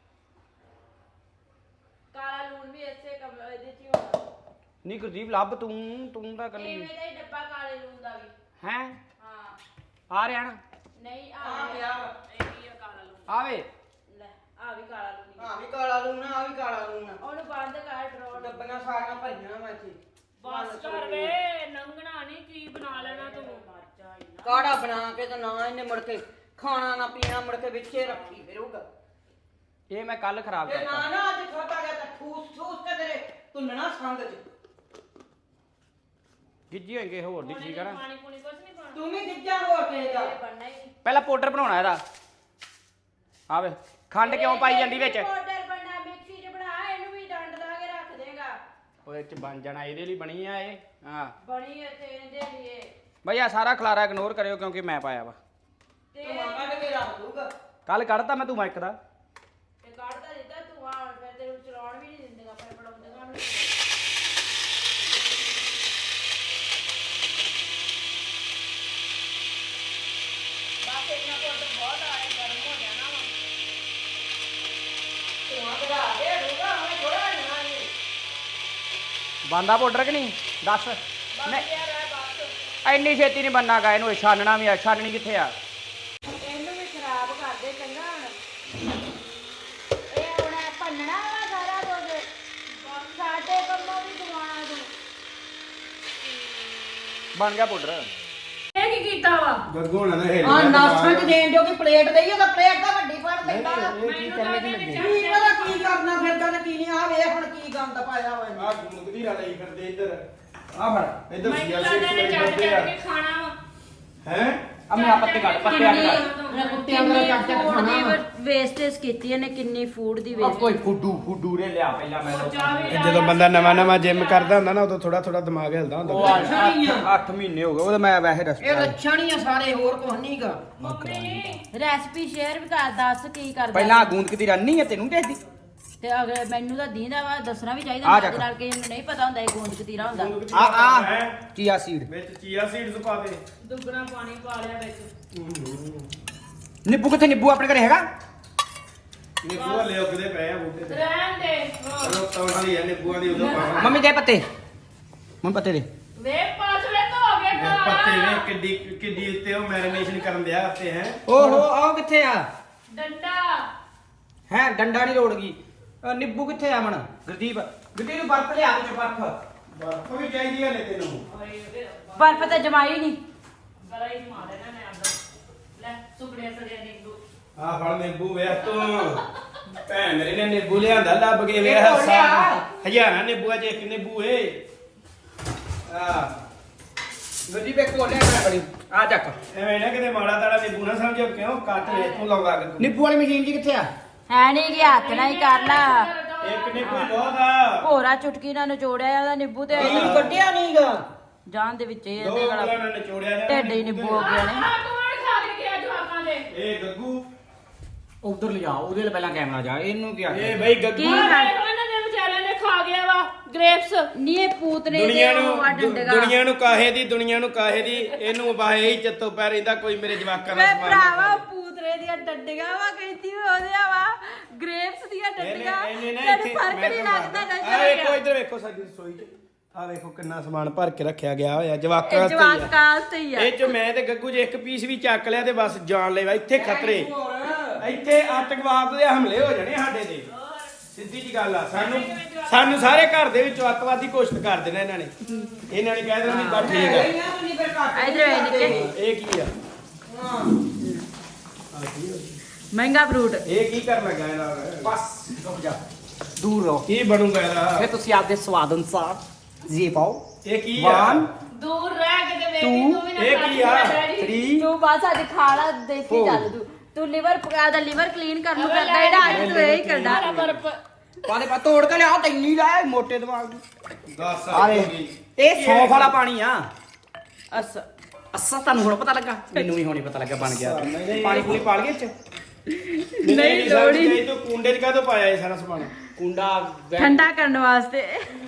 Speaker 5: ਕਾਲਾ ਲੂਣ ਵੀ ਇਸੇ ਕੰਮ ਇਹਦੇ ਚ ਹੀ ਹੋਣਾ।
Speaker 3: ਨਹੀਂ ਗੁਰਦੀਪ ਲੱਭ ਤੂੰ ਤੂੰ ਤਾਂ ਕੱਲੀ
Speaker 5: ਇਵੇਂ ਦਾ ਹੀ ਡੱਬਾ ਕਾਲੇ ਲੂਣ ਦਾ ਵੀ।
Speaker 3: ਹੈ
Speaker 5: ਹਾਂ
Speaker 3: ਆ ਰਿਹਾ ਨਾ
Speaker 5: ਨਹੀਂ
Speaker 4: ਆ
Speaker 5: ਆ
Speaker 4: ਗਿਆ
Speaker 1: ਇਹ ਕੀ ਆ ਕਾਲਾ ਲੂਣ
Speaker 3: ਆਵੇ
Speaker 5: ਲੈ ਆ ਵੀ ਕਾਲਾ ਲੂਣ ਹੀ।
Speaker 4: ਆ ਵੀ ਕਾਲਾ ਲੂਣ ਆ ਵੀ ਕਾਲਾ ਲੂਣ
Speaker 5: ਉਹਨੂੰ ਬੰਦ ਕਰ ਡਰੋ
Speaker 4: ਡੱਬੀਆਂ ਸਾਰੀਆਂ ਭਰੀਆਂ ਮੈਂ ਇੱਥੇ
Speaker 1: ਬਸ ਕਰ ਵੇ ਨੰਗਣਾ ਨਹੀਂ ਕੀ ਬਣਾ ਲੈਣਾ ਤੂੰ
Speaker 5: ਮਰ ਜਾ ਇੰਨਾ।
Speaker 4: ਕਾੜਾ ਬਣਾ ਕੇ ਤੇ ਨਾ ਇਹਨੇ ਮੁੜ ਕੇ ਖਾਣਾ ਨਾ ਪੀਣਾ ਮੁੜ ਕੇ ਵਿੱਚੇ ਰੱਖੀ ਫਿਰੂਗਾ
Speaker 3: ਇਹ ਮੈਂ ਕੱਲ ਖਰਾਬ
Speaker 4: ਤੇ ਨਾ
Speaker 3: ਕਰਤਾ
Speaker 4: ਨਾ ਅੱਜ ਖਾਤਾ ਗਿਆ ਤਾਂ ਠੂਸ ਠੂਸ ਤੇ ਤੇਰੇ ਤੁੰਨਣਾ ਸੰਗ ਚ
Speaker 3: ਗਿੱਜੀ ਹੋਏਗੇ ਹੋਰ ਦੀ ਠੀਕ ਆ ਨਾ
Speaker 1: ਪਾਣੀ ਪੂਣੀ ਕੁਛ ਨਹੀਂ ਪਾਣਾ
Speaker 4: ਤੂੰ ਵੀ ਗਿੱਜਾ ਹੋਰ ਕਿਸੇ ਦਾ
Speaker 5: ਇਹ ਬਣਨਾ ਹੀ ਨਹੀਂ।
Speaker 3: ਪਹਿਲਾਂ ਪਾਊਡਰ ਬਣਾਉਣਾ ਇਹਦਾ ਆਵੇ ਖੰਡ ਕਿਉਂ ਪਾਈ ਜਾਂਦੀ ਵਿੱਚ
Speaker 5: ਪਾਊਡਰ ਬਣਨਾ ਮਿਕਸੀ 'ਚ ਬਣਾ ਇਹਨੂੰ ਵੀ ਡੰਡ ਲਾ ਕੇ ਰੱਖ ਦੇਗਾ।
Speaker 3: ਉਹਦੇ ਚ ਬਣ ਜਾਣਾ ਇਹਦੇ ਲਈ ਬਣੀ ਆ ਇਹ ਹਾਂ
Speaker 5: ਬਣੀ ਇੱਥੇ ਇਹਦੇ ਲਈ
Speaker 3: ਬਈ ਆ ਸਾਰਾ ਖਲਾਰਾ ਇਗਨੋਰ ਕਰਿਓ ਕਿਉਂਕਿ ਮੈਂ ਪਾਇਆ ਵਾ
Speaker 4: ਤੂੰ ਮਾਮਾ ਕੇ ਰੱਖ ਦੂਗਾ
Speaker 3: ਕੱਲ ਕੱਢਤਾ ਮੈਂ ਤੂੰ ਮਾਈਕ ਦਾ
Speaker 5: ਤੇ ਕੱਢਦਾ ਦਿੱਤਾ ਤੂੰ ਆ ਹੁਣ ਫਿਰ ਤੈਨੂੰ ਚਲਾਉਣ ਵੀ ਨਹੀਂ ਦਿੰਦੇਗਾ ਆਪਣੇ ਪੜਾਉਂਦੇਗਾ ਹੁਣ।
Speaker 1: ਬਸ ਇਹਨਾਂ ਕੋਲ ਬਹੁਤ ਆਏ ਗਰਮ ਹੋ ਜਾਣਾ ਵਾ
Speaker 4: ਤੂੰ ਆ ਕਰਾ ਦੇ ਰੂਗਾ ਮੈਂ ਥੋੜਾ ਨਾ ਨਹੀਂ
Speaker 3: ਬੰਦਾ ਪਾਊਡਰ ਕਿ ਨਹੀਂ ਦੱਸ ਨਹੀਂ
Speaker 1: ਯਾਰ ਇਹ ਬਸ
Speaker 3: ਇੰਨੀ ਛੇਤੀ ਨਹੀਂ ਬੰਨਾਗਾ ਇਹਨੂੰ ਛਾਨਣਾ ਵੀ ਆ ਛਾਨਣੀ ਕਿੱਥੇ ਆ
Speaker 5: ਇਹਨੂੰ ਵੀ ਖਰਾਬ ਕਰ ਦੇ ਚੰਗਾ ਹੁਣ। ਇਹ ਹੁਣ ਭੰਨਣਾ ਵਾ ਸਾਰਾ ਕੁਝ ਸਾਡੇ ਕੰਮੋਂ ਵੀ ਦਵਾਣਾ ਤੂੰ।
Speaker 3: ਬਣ ਗਿਆ ਪਾਊਡਰ
Speaker 1: ਇਹ ਕੀ ਕੀਤਾ ਵਾ
Speaker 2: ਗੱਗੂ ਹੋਣਾ ਨਾ ਇਹ
Speaker 4: ਆ ਨਾਸਾਂ ਚ ਦੇਣ ਜੋ ਕਿ ਪਲੇਟ ਦੇਈਏ ਤਾਂ ਪਲੇਟ ਤਾਂ ਵੱਡੀ ਫੜ ਲੈਂਦਾ
Speaker 2: ਇਹ ਕੀ ਕਰਨੇ ਕੀ ਲੱਗੇ
Speaker 4: ਕੀ ਪਤਾ ਕੀ ਕਰਨਾ ਫਿਰਦਾ ਤੇ ਕੀ ਨਹੀਂ ਆ ਵੇਖ ਹੁਣ ਕੀ ਗੰਦ ਪਾਇਆ ਹੋਇਆ
Speaker 2: ਆ ਗੁੰਗਦੀ ਰਾ ਲਈ ਫਿਰਦੇ ਇੱਧਰ ਆ ਫੜ ਇੱਧਰ
Speaker 1: ਮੈਨੂੰ
Speaker 2: ਸੀਆ
Speaker 1: ਲੱਗਦਾ ਨੇ ਚੱਟ ਚੱਟ ਕੇ ਖਾਣਾ ਵਾ
Speaker 2: ਹੈ
Speaker 3: ਆ ਮੈਂ ਪੱਤੇ ਕੱਢ ਪੱਤੇ ਆ ਕੱਢ
Speaker 4: ਕੁੱਤਿਆਂ ਦਾ ਚੱਟ ਚੱਟ ਖਾਣਾ ਵਾ।
Speaker 5: ਵੇਸਟੇਜ ਕੀਤੀ ਇਹਨੇ ਕਿੰਨੀ ਫੂਡ ਦੀ
Speaker 3: ਆ ਕੋਈ ਫੁੱਡੂ ਫੁੱਡੂ ਰੇ ਲਿਆ ਪਹਿਲਾਂ ਮੈਂ
Speaker 2: ਜਦੋਂ ਬੰਦਾ ਨਵਾਂ ਨਵਾਂ ਜਿਮ ਕਰਦਾ ਹੁੰਦਾ ਨਾ ਉਦੋਂ ਥੋੜਾ ਥੋੜਾ ਦਿਮਾਗ ਹਿਲਦਾ ਹੁੰਦਾ
Speaker 3: ਉਹ ਅੱਠ ਮਹੀਨੇ ਹੋ ਗਏ ਉਹਦਾ ਮੈਂ ਵੈਸੇ ਰਸਤਾ
Speaker 4: ਇਹ ਲੱਛਣ ਹੀ ਆ ਸਾਰੇ ਹੋਰ ਕੁਝ ਨਹੀਂਗਾ
Speaker 5: ਰੈਸਪੀ ਸ਼ੇਅਰ ਵੀ ਕਰ ਦੱਸ ਕੀ ਕਰਦਾ
Speaker 3: ਪਹਿਲਾਂ ਗੂੰਦ ਕਿਦੀ ਰੰਨੀ ਹੈ ਤੈਨੂੰ ਦੇਖਦੀ
Speaker 5: ਤੇ ਅਗਰ ਮੈਨੂੰ ਤਾਂ ਦੀਂਦਾ ਵਾ ਦੱਸਣਾ ਵੀ
Speaker 3: ਆ
Speaker 5: ਚਾਹੀਦਾ
Speaker 3: ਜਾ
Speaker 5: ਨਾਲ ਨਾਲ ਕਿ ਇਹਨੂੰ ਨਹੀਂ ਪਤਾ ਹੁੰਦਾ ਇਹ ਗੋਂਦ ਕਤੀਰਾ ਹੁੰਦਾ।
Speaker 3: ਆ ਆ ਚੀਆ ਸੀਡ
Speaker 2: ਵਿੱਚ ਚੀਆ ਸੀਡਸ ਪਾ ਦੇ
Speaker 1: ਦੁੱਗਣਾ ਪਾਣੀ ਪਾ ਲਿਆ ਵਿੱਚ
Speaker 3: ਨਿੰਬੂ ਕਿੱਥੇ ਨਿੰਬੂ ਆਪਣੇ ਘਰੇ ਹੈਗਾ
Speaker 2: ਨਿੰਬੂ ਵਾਲੇ ਉੱਗਦੇ ਪਏ ਆ ਬੂਟੇ ਤੇ
Speaker 1: ਰਹਿਣ ਦੇ
Speaker 2: ਚਲੋ ਤੌੜਾ ਲਈ ਆ ਨਿੰਬੂਆਂ ਦੀ ਉਦੋਂ ਪਾਵਾਂ
Speaker 3: ਮੰਮੀ ਦੇ ਪੱਤੇ ਮੰਮੀ ਪੱਤੇ ਦੇ
Speaker 1: ਵੇ ਪਾਸ ਵੇ ਧੋ ਕੇ
Speaker 2: ਇਹ ਪੱਤੇ ਨੇ ਕਿੱਡੀ ਕਿੱਡੀ ਉੱਤੇ ਉਹ ਮੈਰੀਨੇਸ਼ਨ ਕਰਨ ਦਿਆ ਉੱਤੇ ਹੈ
Speaker 3: ਓਹੋ ਆਹ ਕਿੱਥੇ ਆ
Speaker 1: ਡੰਡਾ
Speaker 3: ਹੈ ਡੰਡਾ ਨਹੀਂ ਲੋੜ ਗਈ ਅਹ ਨਿੰਬੂ ਕਿੱਥੇ ਆ ਮਣ ਗੁਰਦੀਪ ਗੁਰਦੀਪ ਨੂੰ ਬਰਫ ਲਿਆ ਵਿੱਚ ਬਰਫ
Speaker 2: ਬਰਫ ਵੀ ਚਾਹੀਦੀ ਹੈ ਲੈ ਤੈਨੂੰ
Speaker 5: ਬਰਫ ਤਾਂ ਜਮਾਈ ਨਹੀਂ
Speaker 1: ਗਲਾ ਹੀ ਮਾਰ ਦੇਣਾ ਮੈਂ ਆਪਦਾ ਲੈ ਸੁਪੜਿਆ ਸੜਿਆ ਨਿੰਬੂ
Speaker 2: ਆ ਫੜ ਨਿੰਬੂ ਵੇਖ ਤੂੰ ਭੈਣ ਮੇਰੇ ਨੇ ਨਿੰਬੂ ਲਿਆਂਦਾ ਲੱਭ ਕੇ ਵੇਖ
Speaker 4: ਇਹ ਤੋੜ ਲਿਆ।
Speaker 2: ਹਜ਼ਾਰਾਂ ਨਿੰਬੂਆਂ ਚ ਇੱਕ ਨਿੰਬੂ ਏ ਆ
Speaker 3: ਗੁਰਦੀਪ ਇੱਕ ਕੋਲ ਲਿਆ ਬੜੀ ਆ ਚੱਕ
Speaker 2: ਐਵੇਂ ਨਾ ਕਿਤੇ ਮਾੜਾ ਤਾੜਾ ਨਿੰਬੂ ਨਾ ਸਮਝੋ ਕਿਉਂ ਕੱਟ ਲੈ ਤੂੰ ਲਾਉਂਦਾ ਕਿ
Speaker 3: ਨਿੰਬੂ ਵਾਲੀ ਮਸ਼ੀਨ ਜੀ ਕਿੱਥੇ ਆ
Speaker 5: ਹੈ ਨਹੀਂ ਕਿ ਹੱਥ ਨਾਲ ਹੀ ਕਰ ਲਾ
Speaker 2: ਇੱਕ ਨਿੰਬੂ ਹੀ ਬਹੁਤ ਆ
Speaker 5: ਭੋਰਾ ਚੁਟਕੀ ਨਾਲ ਨਿਚੋੜਿਆ ਉਹਦਾ ਨਿੰਬੂ ਤੇ
Speaker 4: ਇਹ ਕੱਢਿਆ ਨਹੀਂਗਾ
Speaker 5: ਜਾਨ ਦੇ ਵਿੱਚ ਇਹ
Speaker 2: ਦੋ
Speaker 5: ਇਹਦੇ
Speaker 2: ਉਂਗਲਾਂ
Speaker 5: ਵਾਲਾ
Speaker 2: ਨਾਲ ਨਿਚੋੜਿਆ ਜਾਣਾ
Speaker 5: ਢਿੱਡ ਹੀ ਨਿੰਬੂ ਹੋ ਗਿਆ ਨੇ
Speaker 1: ਆਹ ਕੌਣ ਖਾ ਕੇ ਗਿਆ ਜਵਾਕਾਂ ਦੇ
Speaker 2: ਇਹ ਗੱਗੂ
Speaker 3: ਉਧਰ ਲਿਆ ਉਹਦੇ ਲਈ ਪਹਿਲਾਂ ਕੈਮਰਾ ਜਾ ਇਹਨੂੰ ਕੀ
Speaker 2: ਇਹ ਬਈ ਗੱਗੂ
Speaker 5: ਕੀ
Speaker 1: ਆਹ
Speaker 5: ਖਾ
Speaker 1: ਵੇਖ ਇਹਨਾਂ ਦੇ ਵਿਚਾਰਿਆਂ ਨੇ ਖਾ ਗਿਆ ਵਾ ਗ੍ਰੇਪਸ
Speaker 5: ਨੀ ਇਹ ਪੂਤ ਨੇ
Speaker 2: ਦੁਨੀਆ
Speaker 5: ਇਹਦੇ
Speaker 2: ਨੂੰ
Speaker 5: ਉਹ ਆ
Speaker 2: ਦੁ-
Speaker 5: ਡੰਡਗਾ
Speaker 2: ਦੁਨੀਆ ਨੂੰ ਕਾਹੇ ਦੀ ਦੁਨੀਆ ਨੂੰ ਕਾਹੇ ਦੀ ਇਹਨੂੰ ਬਾਹੇ ਹੀ ਚੱਤੋ ਪੈ ਰਹਿੰਦਾ ਕੋਈ ਮੇਰੇ ਜਵਾਕਾਂ ਦਾ
Speaker 5: ਵੇ
Speaker 2: ਸਮਾਨ ਨਾ
Speaker 5: ਭਰਾਵਾ
Speaker 2: ਖਾਵੇ।
Speaker 5: ਪੂਤਰੇ ਦੀਆਂ ਡੰਡੀਆਂ ਵਾ ਕਹਿੰਦੀ ਉਹਦੇ ਵਾ ਗ੍ਰੇਪਸ ਦੀਆਂ ਡੰਡੀਆਂ
Speaker 2: ਇਹਨੇ ਇਹਨੇ ਨਾ
Speaker 5: ਤੈਨੂੰ
Speaker 2: ਇੱਥੇ
Speaker 5: ਫਰਕ
Speaker 2: ਮੈਂ
Speaker 5: ਨਹੀਂ
Speaker 2: ਤੁਹਾਨੂੰ
Speaker 5: ਲੱਗਦਾ
Speaker 2: ਦੱਸਦਾ। ਆਹ ਵੇਖੋ
Speaker 5: ਨਜ਼ਰ
Speaker 2: ਇੱਧਰ ਵੇਖੋ ਸਾਡੀ ਰਸੋਈ 'ਚ ਆਹ ਵੇਖੋ ਕਿੰਨਾ ਸਮਾਨ ਭਰ ਕੇ ਰੱਖਿਆ ਗਿਆ ਹੋਇਆ ਜਵਾਕਾਂ
Speaker 5: ਇਹ
Speaker 2: ਵਾਸਤੇ
Speaker 5: ਜਵਾਕ
Speaker 2: ਹੀ ਆ।
Speaker 5: ਕਾਸ ਤੇ ਹੀ ਆ
Speaker 2: ਇਹ ਚ ਮੈਂ ਤੇ ਗੱਗੂ ਜੇ ਇੱਕ ਪੀਸ ਵੀ ਚੱਕ ਲਿਆ ਤੇ ਬਸ ਜਾਨ ਲੈਵਾ ਇੱਥੇ ਖਤਰੇ ਇੱਥੇ ਆਤੰਕਵਾਦ ਦੇ ਹਮਲੇ ਹੋ ਜਾਣੇ ਸਾਡੇ ਤੇ ਸਿੱਧੀ ਜੀ ਗੱਲ ਆ ਸਾਨੂੰ ਸਾਨੂੰ ਸਾਰੇ ਘਰ ਦੇ ਵਿੱਚੋਂ ਅੱਤਵਾਦੀ ਘੋਸ਼ਿਤ ਕਰ ਦੇਣਾ ਇਹਨਾਂ ਨੇ ਇਹਨਾਂ ਨੇ ਕਹਿ ਦੇਣਾ ਵੀ ਬਸ ਠੀਕ ਆ
Speaker 5: ਇਧਰ ਵੇ ਨਿੱਕੇ
Speaker 2: ਇਹ ਕੀ ਆ
Speaker 4: ਹਾਂ
Speaker 3: ਮਹਿੰਗਾ ਫਰੂਟ
Speaker 2: ਇਹ ਕੀ ਕਰਨ ਲੱਗਾ ਇਹਦਾ
Speaker 3: ਬਸ ਰੁਕ ਜਾ ਦੂਰ ਰਹੋ
Speaker 2: ਕੀ ਬਣੂਗਾ ਇਹਦਾ
Speaker 3: ਫਿਰ ਤੁਸੀਂ ਆਪਦੇ ਸਵਾਦ ਅਨੁਸਾਰ ਜੀ ਪਾਓ
Speaker 2: ਇਹ ਕੀ ਆ
Speaker 3: One,
Speaker 1: ਦੂਰ ਰਹਿ ਕੇ ਤੇ ਵੇਖੀ ਤੂੰ ਵੀ ਨਾ
Speaker 2: ਇਹ
Speaker 1: ਕਰ
Speaker 2: ਕੀ ਆ?
Speaker 3: three,
Speaker 5: ਤੂੰ ਬਸ ਅੱਜ ਖਾਲਾ ਦੇਖੀ ਚੱਲ ਤੂੰ ਤੂੰ ਲਿਵਰ ਦਾ ਲਿਵਰ ਕਲੀਨ ਕਰਨ ਨੂੰ ਕਰਦਾ ਇਹਦਾ ਅੱਜ ਤੂੰ ਇਹ ਕਰਦਾ
Speaker 1: ਪਰ
Speaker 3: ਪਾਲੇ ਪਾ ਤੋੜ ਕੇ ਲਿਆ ਤੈਨੂੰ ਲੈ ਮੋਟੇ ਦਿਮਾਗ ਦੀ
Speaker 2: ਦੱਸ
Speaker 3: ਆਰੇ ਇਹ ਸੌਂਫ ਵਾਲਾ ਪਾਣੀ ਆ
Speaker 5: ਅਸ
Speaker 3: ਅੱਸਾ ਤੁਹਾਨੂੰ ਹੁਣ ਪਤਾ ਲੱਗਾ ਮੈਨੂੰ ਵੀ ਹੁਣੇ ਪਤਾ ਲੱਗਾ ਬਣ ਗਿਆ ਪਾਣੀ ਪੂਣੀ ਪਾ ਲਈਏ ਚ
Speaker 2: ਨਹੀਂ ਲੋੜੀ ਨਹੀਂ ਤੂੰ ਕੁੰਡੇ 'ਚ ਕਾਹਤੋਂ ਪਾਇਆ ਇਹ ਸਾਰਾ ਸਮਾਨ
Speaker 3: ਕੁੰਡਾ
Speaker 5: ਠੰਡਾ ਕਰਨ ਵਾਸਤੇ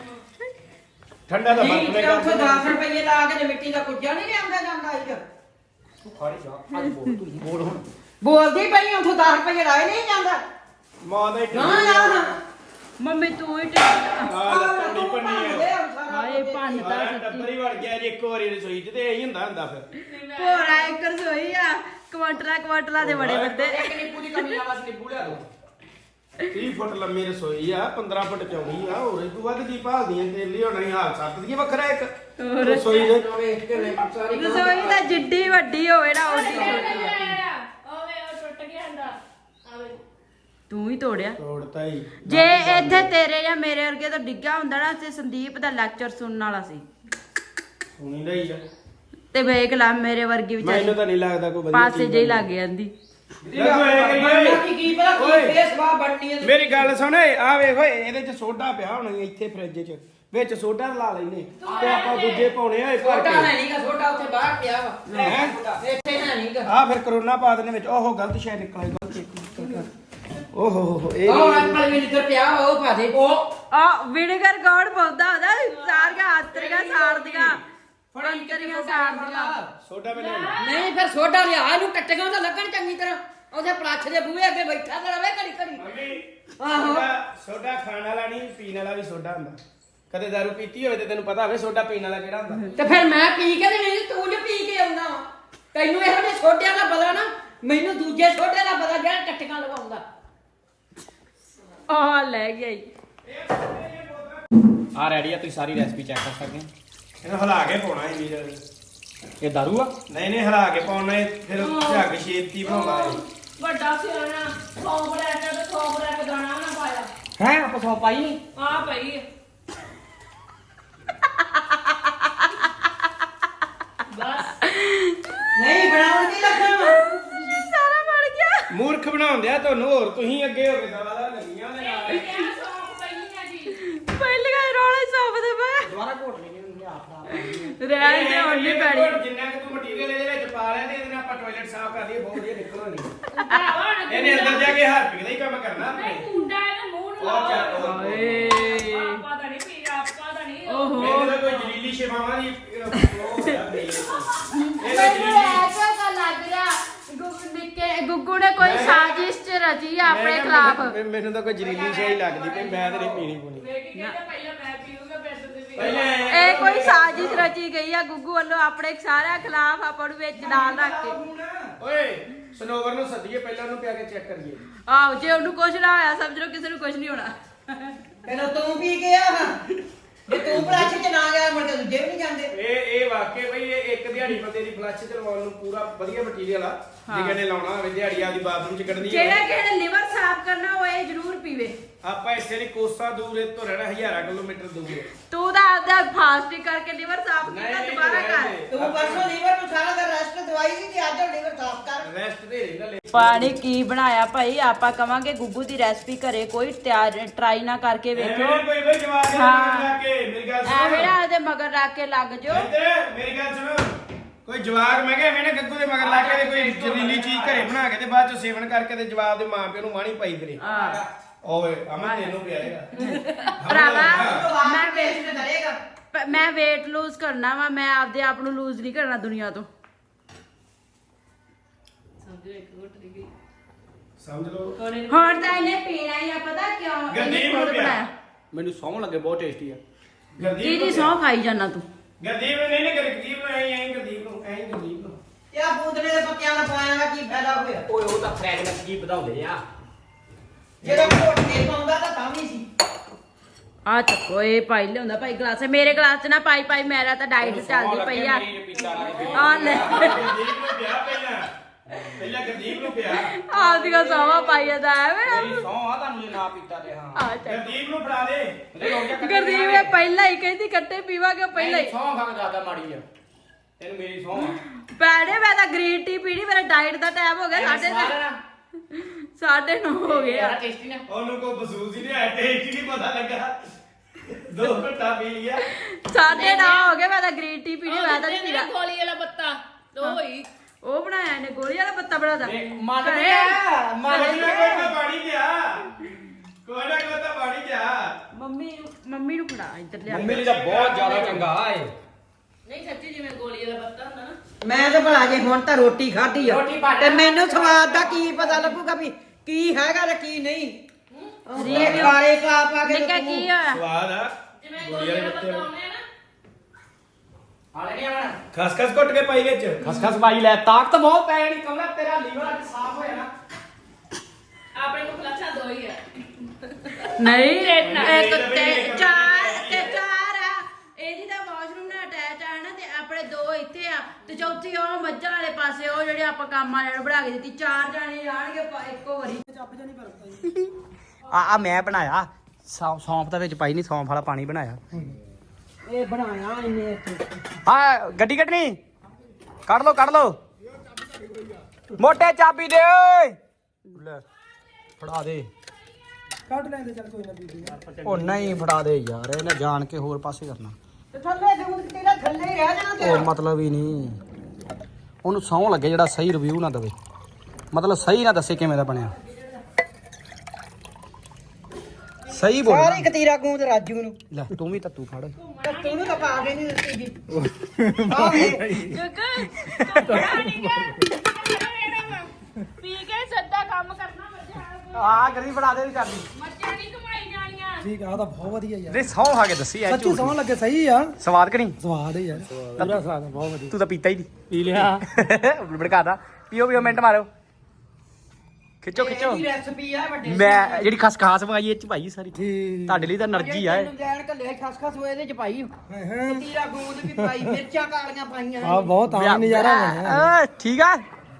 Speaker 2: ਠੰਡਾ ਤਾਂ ਬਰਫ ਨੇ
Speaker 4: ਠੀਕ
Speaker 2: ਕਰ
Speaker 4: ਉੱਥੇ ਦਸ ਰੁਪਏ ਲਾ ਕੇ ਤੇ ਮਿੱਟੀ ਦਾ ਕੁੱਜਾ ਨਹੀਂ ਲਿਆਂਦਾ ਜਾਂਦਾ ਇੱਧਰ
Speaker 3: ਖਾੜੀ ਜਾ ਅੱਜ ਬੋਲ ਤੂੰ ਬੋਲ ਹੁਣ
Speaker 4: ਬੋਲਦੀ ਪਈ ਉੱਥੋਂ ਦਸ ਰੁਪਏ ਲਾਏ ਨਹੀਂ ਜਾਂਦਾ
Speaker 2: ਮਾਂ ਦਾ ਹੀ
Speaker 4: ਨਾ ਨਾ ਨਾ
Speaker 5: ਮੰਮੀ ਤੂੰ ਹੀ
Speaker 2: ਆ ਲੱਤਾਂ ਪੰਨੀ ਹੈ
Speaker 5: ਹਾਏ ਭੰਨਤਾ
Speaker 2: ਆ ਟੱਬਰੀ ਵੜ ਗਿਆ ਜੀ ਇੱਕ ਵਾਰੀ ਰਸੋਈ 'ਚ ਤੇ ਇਹੀ ਹੁੰਦਾ ਹੁੰਦਾ ਫਿਰ
Speaker 5: ਭੋਰਾ ਇੱਕ ਰਸੋਈ ਆ ਕੁਆਂਟਲਾ ਕੁਆਂਟਲਾ ਦੇ ਬੜੇ ਬੰਦੇ
Speaker 3: ਇੱਕ ਨਿੱਪੂ ਦੀ ਕਮੀ ਨਾਲ ਬਸ ਨਿੱਪੂ ਲਿਆ ਦੋ
Speaker 2: ਤੀਹ ਫੁੱਟ ਲੰਮੀ ਰਸੋਈ ਆ ਪੰਦਰਾਂ ਫੁੱਟ ਚੌੜੀ ਆ ਹੋਰ ਇਹ ਤੋਂ ਵੱਧ ਕੀ ਭਾਲਦੀਆਂ ਤੇਰੇ ਲਈ ਹੋਣਾ ਹੀ ਹਾਲ ਸੱਤ ਦੀ ਵੱਖਰਾ ਇੱਕ ਰਸੋਈ ਦੇ
Speaker 4: ਵੇਖ ਕੇ ਲੈ ਸਾਰੀ
Speaker 5: ਰਸੋਈ ਤਾਂ ਜਿੱਡੀ ਵੱਡੀ ਹੋਵੇ ਨਾ ਉਹਦੀ ਛੋਟੀ
Speaker 1: ਓਵੇ ਉਹ ਟੁੱਟ ਗਿਆ ਹੁੰਦਾ ਆਵੇ
Speaker 5: ਤੂੰ ਹੀ ਤੋੜਿਆ
Speaker 2: ਤੋੜਤਾ ਹੀ
Speaker 5: ਜੇ ਇੱਥੇ ਤੇਰੇ ਜਾਂ ਮੇਰੇ ਵਰਗੇ ਤੋਂ ਡਿੱਗਾ ਹੁੰਦਾ ਨਾ ਤੇ ਸੰਦੀਪ ਦਾ ਲੈਕਚਰ ਸੁਣਨ ਵਾਲਾ ਸੀ
Speaker 2: ਸੁਣੀ ਲਈ ਆ
Speaker 5: ਤੇ ਵੇਖ ਲਾ ਮੇਰੇ ਵਰਗੀ
Speaker 2: ਮੈਨੂੰ
Speaker 5: ਵਿਚਾਰੀ
Speaker 2: ਤਾਂ ਨਹੀਂ ਲੱਗਦਾ ਕੋਈ ਵਧੀਆ
Speaker 5: ਪਾਸੇ
Speaker 2: ਚੀਜ਼
Speaker 5: ਜਿਹੀ ਲੱਗ ਜਾਂਦੀ
Speaker 2: ਲੱਗੋ ਇਹ
Speaker 4: ਬੰਦਾ ਕੀ
Speaker 2: ਕਰੀਏ
Speaker 4: ਕੀ ਪਤਾ
Speaker 2: ਓਏ।
Speaker 4: ਕੀ ਫੇਸ ਵਾ ਬਣਨੀ ਹੈ
Speaker 2: ਮੇਰੀ ਗੱਲ ਸੁਣ ਆ ਵੇਖ ਓਏ ਇਹਦੇ 'ਚ ਸੋਡਾ ਪਿਆ ਹੋਣਾ ਈ ਇੱਥੇ ਫ੍ਰਿਜ 'ਚ ਵਿੱਚ ਸੋਡਾ ਲਾ ਲੈਨੇ ਤੇ ਆਪਾਂ ਦੂਜੇ ਪਾਉਣੇ ਆ ਇਹ ਭਰ
Speaker 4: ਛੋਟਾ
Speaker 2: ਕੇ
Speaker 4: ਹੈ ਨਹੀਂਗਾ ਛੋਟਾ ਉੱਥੇ ਬਾਹਰ ਪਿਆ ਵਾ
Speaker 2: ਹੈਂ?
Speaker 4: ਇੱਥੇ ਹੈ ਨਹੀਂਗਾ
Speaker 2: ਆ ਫਿਰ ਕਰੋਨਾ ਪਾ ਦੇਣੇ ਵਿੱਚ ਓਹੋ ਗਲਤ ਸ਼ੈ ਨਿਕਲਿਆ ਗਲਤ ਇੱਕ ਓਹੋ ਹੋ ਹੋ ਇਹ
Speaker 4: ਉਹ
Speaker 2: ਵੀ-
Speaker 4: ਐਪਲ ਵੀ ਨਿਕਲ ਪਿਆ ਵਾ, ਉਹ ਪਾ ਦੇ ਉਹ
Speaker 5: ਆ ਵਿਨੇਗਰ ਗੋੜ ਪਾਉਂਦਾ ਹੁੰਦਾ ਸਾਰੀਆਂ ਆਤਰੀਆਂ ਸਾੜਦੀਆਂ
Speaker 4: ਫੜਨ
Speaker 5: ਅੰਤਰੀਆਂ ਸਾੜਦੀਆਂ
Speaker 2: ਸੋਡਾ ਮਿਲਿਆ
Speaker 4: ਨਹੀਂ ਫਿਰ ਸੋਡਾ ਲਿਆ ਇਹਨੂੰ ਟੱਟੀਆਂ ਤਾਂ ਲੱਗਣ ਚੰਗੀ ਤਰ੍ਹਾਂ ਉਹਦੇ ਪਲਾਛ ਦੇ ਬੂਹੇ ਅੱਗੇ ਬੈਠਾ ਤੇ ਰਵੇ ਘੜੀ ਘੜੀ ਆਹੋ
Speaker 2: ਸੋਡਾ ਸੋਡਾ ਖਾਣ ਵਾਲਾ ਨਹੀਂ ਪੀਣ ਵਾਲਾ ਵੀ ਸੋਡਾ ਹੁੰਦਾ ਕਦੇ ਦਾਰੂ ਪੀਤੀ ਹੋਵੇ ਤੇ ਤੈਨੂੰ ਪਤਾ ਹੋਵੇ ਸੋਡਾ ਪੀਣ ਵਾਲਾ ਕਿਹੜਾ ਹੁੰਦਾ
Speaker 4: ਤੇ ਫਿਰ ਮੈਂ ਪੀ ਕੇ ਤੇ ਨਹੀਂ ਤੂੰ ਜੋ ਪੀ ਕੇ ਆਉਂਦਾ ਵਾ ਤੈਨੂੰ ਇਹੋ ਜਿਹੇ ਛੋਟਿਆਂ ਦਾ ਪਤਾ ਨਾ ਮੈਨੂੰ ਦੂਜੇ ਛੋਟੇ ਦਾ ਪਤਾ ਜਿਹੜਾ ਟੱਟੀਆਂ ਲਗਾਉਂਦਾ
Speaker 5: ਆ ਲੈ ਗਿਆ ਈ।
Speaker 3: ਆ ਰੈਡੀ ਆ ਤੁਸੀਂ ਸਾਰੀ ਰੈਸਪੀ ਚੈੱਕ ਕਰ ਸਕਦੇ ਹੋ
Speaker 2: ਇਹਨੂੰ ਹਿਲਾ ਕੇ ਪਾਉਣਾ ਹੈ ਵੀਰ
Speaker 3: ਇਹ ਦਾਰੂ ਆ
Speaker 2: ਨਹੀਂ ਨਹੀਂ ਹਿਲਾ ਕੇ ਪਾਉਣਾ ਹੈ ਫਿਰ ਝੱਗ ਛੇਤੀ ਬਣਾਉਂਦਾ ਹੈ
Speaker 1: ਵੱਡਾ ਸਿਆਣਾ ਸੌਂਪ ਲੈ ਕੇ ਤੇ ਸੌਂਪ ਲੈ ਕੇ ਦਾਣਾ ਨਾ ਪਾਇਆ
Speaker 3: ਹੈ ਆਪਾਂ ਸੌ ਪਾਈ ਨਹੀਂ
Speaker 1: ਆ ਪਈ ਬਸ
Speaker 4: ਨਹੀਂ ਬਣਾਉਣ ਦੀ ਲੱਗਣਾ
Speaker 5: ਸਾਰਾ ਬਣ ਗਿਆ
Speaker 2: ਮੂਰਖ ਬਣਾਉਂਦੇ ਆ ਤੁਹਾਨੂੰ ਹੋਰ ਤੁਸੀਂ ਅੱਗੇ ਹੋ ਕੇ ਦਵਾਦਾਰ ਲੱਗੀਆਂ ਉਹਦੇ ਨਾਲ
Speaker 1: ਇਹ ਸੌਂਪ ਪਈ ਆ ਜੀ
Speaker 5: ਪਹਿਲੀਆਂ ਰੋਲਾ ਹੀ ਸੌਂਪ ਦੇ ਪਏ
Speaker 3: ਦੁਬਾਰਾ ਘੋਟ ਲੈਣੀ ਹੁੰਦੀ ਆ ਆਪਣਾ
Speaker 5: ਰਹਿਣ ਦੇ ਹੁਣ ਨਹੀਂ ਪੈਣੀ
Speaker 2: ਜਿੰਨਾ ਕਿ ਤੂੰ ਮਟੀਰੀਅਲ ਇਹਦੇ ਵਿੱਚ ਪਾ ਲਿਆ ਤੇ ਇਹਦੇ ਨਾਲ ਆਪਾਂ ਟਾਇਲਟ ਸਾਫ਼ ਕਰ ਲਈਏ ਬਹੁਤ ਵਧੀਆ ਨਿਕਲਣੀ
Speaker 1: ਭਰਾਵਾ ਹੁਣ
Speaker 2: ਇਹਨੇ ਅੰਦਰ ਜਾ ਕੇ ਹਾਰਪਿਕ ਦਾ ਹੀ ਕੰਮ ਕਰਨਾ ਆਪਣੇ
Speaker 1: ਨਹੀਂ ਕੁੰਡਾ ਇਹਦੇ ਮੂੰਹ ਨੂੰ
Speaker 2: ਉਹ ਚੱਲ ਉਹ
Speaker 5: ਹਾਏ
Speaker 1: ਆਪਾਂ ਤਾਂ ਨਹੀਂ ਪੀ ਆਪਾਂ ਤਾਂ ਨਹੀਂ
Speaker 5: ਓਹੋ
Speaker 2: ਮੈਨੂੰ ਤਾਂ ਕੋਈ ਜ਼ਰੀਲੀ ਸ਼ਿਵਾਵਾਂ ਦੀ ਉਹ ਹੋਇਆ ਪਈ ਇਹ ਤਾਂ
Speaker 5: ਮੈਨੂੰ ਐਸਾ ਕਾ ਲੱਗ ਰਿਹਾ ਗੁੱਗੂ ਨਿੱਕੇ ਗੁੱਗੂ ਨੇ ਕੋਈ ਸਾਜ਼ਿਸ਼ ਚ ਰਚੀ ਆ ਆਪਣੇ ਖਿਲਾਫ
Speaker 2: ਮੈਨੂੰ- ਮੈਨੂੰ ਤਾਂ ਕੋਈ ਜ਼ਰੀਲੀ ਸ਼ੈ ਹੀ ਲੱਗਦੀ ਪਈ ਮੈਂ ਤਾਂ ਨਹੀਂ ਪੀਣੀ ਪੂਣੀ
Speaker 1: ਵੇਖੀ ਕਹਿੰਦਾ ਪਹਿਲਾਂ ਮੈਂ ਪੀਊਂਗਾ ਫਿਰ ਤੁਸੀਂ ਵੀ
Speaker 2: ਪਹਿਲਾਂ
Speaker 5: ਇਹ ਕੋਈ ਸਾਜ਼ਿਸ਼ ਰਚੀ ਗਈ ਆ ਗੁੱਗੂ ਵੱਲੋਂ ਆਪਣੇ ਸਾਰਿਆਂ ਖਿਲਾਫ ਆਪਾਂ ਨੂੰ ਵਿੱਚ ਨਾਲ ਰੱਖ ਕੇ
Speaker 2: ਓਏ ਸਨੋਵਰ ਨੂੰ ਸੱਦੀਏ ਪਹਿਲਾਂ ਉਹਨੂੰ ਪਿਆ ਕੇ ਚੈੱਕ ਕਰੀਏ
Speaker 5: ਆਹੋ ਜੇ ਉਹਨੂੰ ਕੁਝ ਨਾ ਹੋਇਆ ਸਮਝ ਲਓ ਕਿਸੇ ਨੂੰ ਕੁਝ ਨਹੀਂ ਹੋਣਾ
Speaker 4: ਕਹਿੰਦਾ ਤੂੰ ਪੀ ਕੇ ਆ ਜੇ ਤੂੰ ਪਲਾਛ ਚ ਨਾ ਗਿਆ ਮੁੜ ਕੇ ਦੂਜੇ ਵੀ ਨਹੀਂ ਜਾਂਦੇ
Speaker 2: ਇਹ ਇਹ ਵਾਕਈ ਬਈ ਇਹ ਇੱਕ ਦਿਹਾੜੀ ਬੰਦੇ ਦੀ ਫਲੱਸ਼ ਤੇ ਲਵਾਉਣ ਨੂੰ ਪੂਰਾ ਵਧੀਆ ਮਟੀਰੀਅਲ ਆ ਜੇ ਕਹਿੰਦੇ ਲਾਉਣਾ ਹੋਵੇ ਦਿਹਾੜੀ ਆਪਦੀ ਬਾਥਰੂਮ ਚ ਕੱਢਣੀ
Speaker 5: ਜਿਹੜਾ ਕਿਸੇ ਨੇ ਲਿਵਰ ਸਾਫ਼ ਕਰਨਾ ਹੋਏ ਜ਼ਰੂਰ ਪੀਵੇ
Speaker 2: ਆਪਾਂ ਇੱਥੇ ਨਹੀਂ ਕੋਸਾ ਦੂਰ ਇਹ ਤੋਂ ਰਹਿਣਾ ਹਜ਼ਾਰਾਂ ਕਿਲੋਮੀਟਰ ਦੂਰ
Speaker 5: ਤੂੰ ਤਾਂ ਆਪਦਾ ਫਾਸਟਿੰਗ ਕਰਕੇ ਲਿਵਰ ਸਾਫ਼ ਕੀਤਾ
Speaker 2: ਨਹੀਂ,
Speaker 5: ਦੁਬਾਰਾ
Speaker 2: ਨਹੀਂ,
Speaker 5: ਕਰ
Speaker 2: ਨਹੀਂ।
Speaker 4: ਤੂੰ ਪਰਸੋਂ ਲੀਵਰ ਨੂੰ ਸਾਰਾ ਦਾ ਰੈਸਟ ਦਵਾਈ ਸੀ ਤੇ ਅੱਜ ਲੀਵਰ ਸਾਫ਼ ਕਰ
Speaker 2: ਰੈਸਟ ਦੇ ਰਹਿੰਦਾ ਲੈ
Speaker 5: ਪਾਣੀ ਕੀ ਬਣਾਇਆ ਭਾਈ ਆਪਾਂ ਕਵਾਂਗੇ ਗੁੱਗੂ ਦੀ ਰੈਸਪੀ ਘਰੇ ਕੋਈ ਤਿਆਰ ਟਰਾਈ ਨਾ ਕਰਕੇ ਵੇਖੋ
Speaker 2: ਐਵੇਂ ਨੀ ਕੋਈ ਬਈ ਜਵਾਬ ਦੇ
Speaker 5: ਹਾਂ।
Speaker 2: ਲਾ ਕੇ ਮੇਰੀ ਗੱਲ
Speaker 5: ਐਵੇਂ
Speaker 2: ਸੁਣ
Speaker 5: ਨਾ ਉਹਦੇ ਮਗਰ ਰੱਖ ਕੇ ਲੱਗ ਜਾਓ
Speaker 2: ਇੱਧਰ ਮੇਰੀ ਗੱਲ ਸੁਣ ਕੋਈ ਜਵਾਕ ਮੈਂ ਕਿਹਾ ਐਵੇਂ ਨਾ ਗੱਗੂ ਦੇ ਮਗਰ ਲਾ ਕੇ ਤੇ ਕੋਈ ਜ਼ਰੀਲੀ ਚੀਜ਼ ਘਰੇ ਬਣਾ ਕੇ ਤੇ ਬਾਅਦ ਚ ਸੇਵਨ ਕਰਕੇ ਤੇ ਜਵਾਬ ਦੇ ਮਾਂ ਪਿਓ ਨੂੰ ਮਾਣੀ ਪਾਈ ਫਿਰੇ
Speaker 5: ਹਾਂ
Speaker 2: ਓਏ ਅਮਨ ਤੈਨੂੰ ਪਿਆਏਗਾ
Speaker 5: ਭਰਾਵਾ ਮੈਂ ਵੇ-
Speaker 4: ਵੇਸਟ ਕਰੇਗਾ
Speaker 5: ਪ- ਮੈਂ weight lose ਕਰਨਾ ਵਾ ਮੈਂ ਆਪਦੇ ਆਪ ਨੂੰ ਲੂਜ਼ ਨਹੀਂ ਕਰਨਾ ਦੁਨੀਆ ਤੋਂ
Speaker 2: ਸਮਝ ਲਓ
Speaker 5: ਹੁਣ ਤਾਂ ਇਹਨੇ ਪੀਣਾ ਹੀ ਆ ਪਤਾ ਕਿਉਂ ਇਹਨੇ
Speaker 2: ਗੰਦੀਪ
Speaker 5: ਖੁਦ
Speaker 2: ਨੂੰ ਪਿਆ।
Speaker 5: ਬਣਾਇਆ
Speaker 3: ਮੈਨੂੰ ਸੌਂ ਲੱਗੇ ਬਹੁਤ ਟੇਸਟੀ ਆ
Speaker 2: ਗਰਦੀਪ
Speaker 5: ਦੀਦੀ
Speaker 2: ਨੂੰ
Speaker 5: ਸੌ ਖਾਈ ਜਾਣਾ ਤੂੰ
Speaker 2: ਗਰਦੀਪ ਨੂੰ ਨਹੀਂ ਨਹੀਂ ਗਰਦੀਪ ਨੂੰ ਐਂ ਐਂ ਗਰਦੀਪ ਨੂੰ ਐਂ ਗਰਦੀਪ ਨੂੰ
Speaker 4: ਯਾ ਬੂਦਨੇ ਦੇ ਪੱਤਿਆਂ ਦਾ ਪਾਇਆ ਦਾ ਕੀ ਫਾਇਦਾ ਹੋਇਆ
Speaker 3: ਓਏ ਉਹ ਤਾਂ ਫ੍ਰੈਗਨੈਂਸ ਜੀ ਵਧਾਉਂਦੇ ਆ
Speaker 4: ਜਿਹੜਾ ਘੋਟ ਕੇ ਪਾਉਂਦਾ ਤਾਂ ਤਾਂ ਵੀ ਸੀ
Speaker 5: ਆ ਚੱਕੋ ਇਹ ਪਾਈ ਲਿਆਉਂਦਾ ਭਾਈ ਗਲਾਸ ਮੇਰੇ ਗਲਾਸ ਚ ਨਾ ਪਾਈ ਪਾਈ ਮੇਰਾ ਤਾਂ ਡਾਈਟ ਚੱਲਦੀ ਪਈ ਆ ਆ ਲੈ
Speaker 2: ਗਰਦੀਪ ਨੂੰ ਵਿਆਹ ਪਹਿਲਾਂ ਪਹਿਲਾਂ ਗਰਦੀਪ ਨੂੰ ਪਿਆ
Speaker 5: ਆਪਦੀਆਂ ਸਾਵਾ ਪਾਈ ਜਾਂਦਾ ਐਵੇਂ
Speaker 3: ਮੇਰੀ ਸੌਂ ਆ ਤੁਹਾਨੂੰ ਜੇ ਨਾ ਪੀਤਾ ਤੇ ਹਾਂ
Speaker 5: ਆ ਚੱਲ
Speaker 2: ਗਰਦੀਪ ਨੂੰ ਫੜਾ ਦੇ
Speaker 5: ਗੁਰਦੀਪ ਇਹ ਪਹਿਲਾਂ ਹੀ ਕਹਿੰਦੀ ਕੱਟੇ ਪੀਵਾਂਗੇ ਪਹਿਲਾਂ ਹੀ
Speaker 3: ਸੌਂ ਖਾ ਕੇ ਜ਼ਿਆਦਾ ਮਾੜੀ ਆ ਤੈਨੂੰ ਮੇਰੀ ਸੌਂ ਆ
Speaker 5: ਪੈੜੇ ਮੈਂ ਤਾਂ ਗ੍ਰੀਨ ਟੀ ਪੀਣੀ ਮੇਰਾ ਡਾਈਟ ਦਾ ਟਾਈਮ ਹੋ ਗਿਆ ਸਾਢੇ ਤੇ ਸਾਢੇ ਨੌ ਹੋ ਗਏ ਆ
Speaker 3: ਟੇਸਟੀ ਨਾ
Speaker 2: ਉਹਨੂੰ ਕੋਈ ਮਹਿਸੂਸ ਹੀ ਨਹੀਂ ਆਇਆ ਟੇਸਟ ਹੀ ਨਹੀਂ ਪਤਾ ਲੱਗਾ ਦੋ ਘੰਟਾ ਪੀ ਲਿਆ
Speaker 5: ਸਾਢੇ ਨੌ ਹੋ ਗਏ ਮੈਂ ਤਾਂ ਗ੍ਰੀਨ ਟੀ ਪੀਣੀ ਮੈਂ ਤਾਂ ਨਹੀਂ ਪੀਣਾ
Speaker 1: ਗੋਲੀ ਵਾਲਾ ਪੱਤਾ ਉਹ ਹੀ
Speaker 5: ਉਹ ਬਣਾਇਆ ਇਹਨੇ ਗੋਲੀ ਵਾਲਾ ਪੱਤਾ ਬਣਾਦਾ
Speaker 3: ਮੰਨ ਗਿਆ ਮੰਨ
Speaker 2: ਕੋਈ ਨਾ ਕੋਈ ਤਾਂ ਪਾਣੀ ਗਿਆ ਕੋਈ ਨਾ ਕੋਈ ਤਾਂ ਪਾਣੀ ਗਿਆ
Speaker 5: ਮੰਮੀ ਨੂੰ ਮੰਮੀ ਨੂੰ ਫੜਾ ਇੱਧਰ ਲਿਆ
Speaker 3: ਮੰਮੀ ਲਈ ਤਾਂ ਬਹੁਤ ਜ਼ਿਆਦਾ ਚੰਗਾ ਏ
Speaker 1: ਨਹੀਂ ਸੱਚੀ ਜਿਵੇਂ ਗੋਲੀ ਵਾਲਾ ਪੱਤਾ ਹੁੰਦਾ ਨਾ
Speaker 4: ਮੈਂ ਤਾਂ ਭਲਾ ਜੇ ਹੁਣ ਤਾਂ ਰੋਟੀ ਖਾਧੀ ਆ
Speaker 3: ਰੋਟੀ ਪਾ
Speaker 4: ਤੇ ਮੈਨੂੰ ਸਵਾਦ ਦਾ ਕੀ ਪਤਾ ਲੱਗੂਗਾ ਵੀ ਕੀ ਹੈਗਾ ਤੇ ਕੀ ਨਹੀਂ ਇਹ ਖਾਰੇ ਪਾ ਪਾ ਕੇ
Speaker 5: ਨਿੱਕਾ ਕੀ ਹੋਇਆ
Speaker 2: ਸਵਾਦ ਆ
Speaker 1: ਜਿਵੇਂ ਗੋਲੀ ਵਾਲਾ ਪੱਤਾ ਹੁੰਦੇ ਆ ਨਾ
Speaker 3: ਹਾਲੇ ਨਹੀਂ ਆਣਾ
Speaker 2: ਖਸ ਖਸ ਕੁੱਟ ਕੇ ਪਾਈ ਵਿੱਚ
Speaker 3: ਖਸਖਸ ਪਾਈ ਲੈ ਤਾਕਤ ਬਹੁਤ ਪੈ ਜਾਣੀ ਕਮਲਾ ਤੇਰਾ ਲੀਵਰ ਅੱਜ ਸਾਫ਼ ਹੋ ਜਾਣਾ
Speaker 1: ਆਪਣੇ ਕੋਲ ਲੱਛਾ ਦੋ ਹੀ ਆ
Speaker 5: ਨਹੀਂ
Speaker 1: ਇੱਕ
Speaker 5: ਇੱਕ ਤੇ ਚਾਰ ਤੇ ਚਾਰ ਆ ਇਹਦੀ ਤਾਂ ਵਾਸ਼ਰੂਮ ਨਾਲ ਅਟੈਚ ਆ ਨਾ ਤੇ ਆਪਣੇ ਦੋ ਇੱਥੇ ਆ ਤੇ ਚੌਥੀ ਉਹ ਮੱਝਾਂ ਵਾਲੇ ਪਾਸੇ ਉਹ ਜਿਹੜੇ ਆਪਾਂ ਕੰਮ ਵਾਲਿਆਂ ਨੂੰ ਬਣਾ ਕੇ ਦਿੱਤੀ ਚਾਰ ਜਾਣੇ ਆਣਗੇ ਇੱਕੋ ਵਾਰੀ
Speaker 3: ਆ ਆ ਮੈਂ ਬਣਾਇਆ ਸੌਂ- ਸੌਂਫ ਦਾ ਵਿੱਚ ਪਾਈ ਨਹੀਂ ਸੌਂਫ ਵਾਲਾ ਪਾਣੀ ਬਣਾਇਆ
Speaker 4: ਇਹ ਬਣਾਇਆ ਇਹਨੇ ਇੱਥੇ
Speaker 3: ਹਾਂ ਗੱਡੀ ਕੱਢਣੀ ਕੱਢ ਲੋ ਕੱਢ ਲੋ ਮੋਟੇ ਚਾਬੀ ਦੇ ਓਏ ਲੈ ਫੜਾ ਦੇ
Speaker 4: ਕੱਢ ਲੈਂਦੇ ਚੱਲ ਕੋਈ ਨਾ ਬੀਬੀ
Speaker 3: ਉਹ ਨਹੀਂ ਫੜਾ ਦੇ ਯਾਰ ਇਹਨੇ ਜਾਣ ਕੇ ਹੋਰ ਪਾਸੇ ਕਰਨਾ
Speaker 4: ਤੇ ਥੱਲੇ ਦੂਰ ਤੇਰਾ ਥੱਲੇ ਹੀ ਰਹਿ ਜਾਣਾ
Speaker 3: ਉਹ ਮਤਲਬ ਹੀ ਨਹੀਂ ਉਹਨੂੰ ਸੌਂ ਲੱਗੇ ਜਿਹੜਾ ਸਹੀ ਰਿਵਿਊ ਨਾ ਦੇਵੇ ਮਤਲਬ ਸਹੀ ਨਾ ਦੱਸੇ ਕਿਵੇਂ ਦਾ ਬਣਿਆ ਸਹੀ ਬੋਲ
Speaker 4: ਸਾਰੀ ਕਤੀਰਾ ਗੂੰਦ ਰਾਜੂ ਨੂੰ
Speaker 3: ਲੈ ਤੂੰ ਵੀ ਤੱਤੂ ਫੜ
Speaker 4: ਤੇ ਤੂੰ ਤਾਂ ਪਾ ਕੇ ਨਹੀਂ ਦਿੱਤੀ ਜੀ ਆਹ ਵੇਖ।
Speaker 1: ਪੀ ਕੇ ਸਿੱਧਾ ਕੰਮ ਕਰਨਾ ਮੱਝਾਂ
Speaker 3: ਆ ਗਰੀ ਫੜਾ ਦੇ ਵੀ ਚਾਬੀ
Speaker 1: ਮੱਝਾਂ ਨਹੀਂ ਕਮਾਈ ਜਾਣੀਆਂ
Speaker 6: ਠੀਕ ਆ ਤਾਂ ਬਹੁਤ ਵਧੀਆ ਯਾਰ
Speaker 3: ਨਹੀਂ ਸੌਂ ਖਾ ਕੇ ਦੱਸੀ ਐ
Speaker 6: ਸੱਚੀ ਸੌਣ ਲੱਗੇ ਸਹੀ ਆ
Speaker 3: ਸਵਾਦ ਕਿ ਨਹੀਂ
Speaker 6: ਸਵਾਦ ਹੈ ਯਾਰ ਪੂਰਾ ਸਵਾਦ ਆ, ਬਹੁਤ ਵਧੀਆ
Speaker 3: ਤੂੰ ਤਾਂ ਪੀਤਾ ਹੀ ਨਹੀਂ ਪੀ ਲਿਆ ਭੜਕਾਦਾ ਪੀਓ ਪੀਓ ਮਿੰਟ ਮਾਰੋ ਖਿੱਚੋ ਖਿੱਚੋ
Speaker 4: ਇਹਦੀ ਰੈਸਪੀ ਆ ਵੱਡੇ
Speaker 3: ਮੈਂ ਜਿਹੜੀ ਖਸਖਾਸ ਮੰਗਾਈ ਇਹ ਚ ਭਾਈ ਸਾਰੀ
Speaker 6: ਠੀਕ
Speaker 3: ਤੁਹਾਡੇ ਲਈ ਤਾਂ એનર્ਜੀ ਆ ਇਹ।
Speaker 4: ਤੈਨੂੰ ਦੇਣ ਕੱਲੇ ਖਸ ਖਸ ਹੋਏ ਇਹਦੇ ਚ ਪਾਈ
Speaker 6: ਹਾਂ ਹਾਂ
Speaker 4: ਕਤੀਰਾ ਗੂੰਦ ਵੀ ਪਾਈ ਮਿਰਚਾਂ ਕਾਲੀਆਂ ਪਾਈਆਂ
Speaker 6: ਆ ਬਹੁਤ ਆ ਨਜ਼ਾਰਾ ਬਣਿਆ
Speaker 3: ਆ, ਠੀਕ ਆ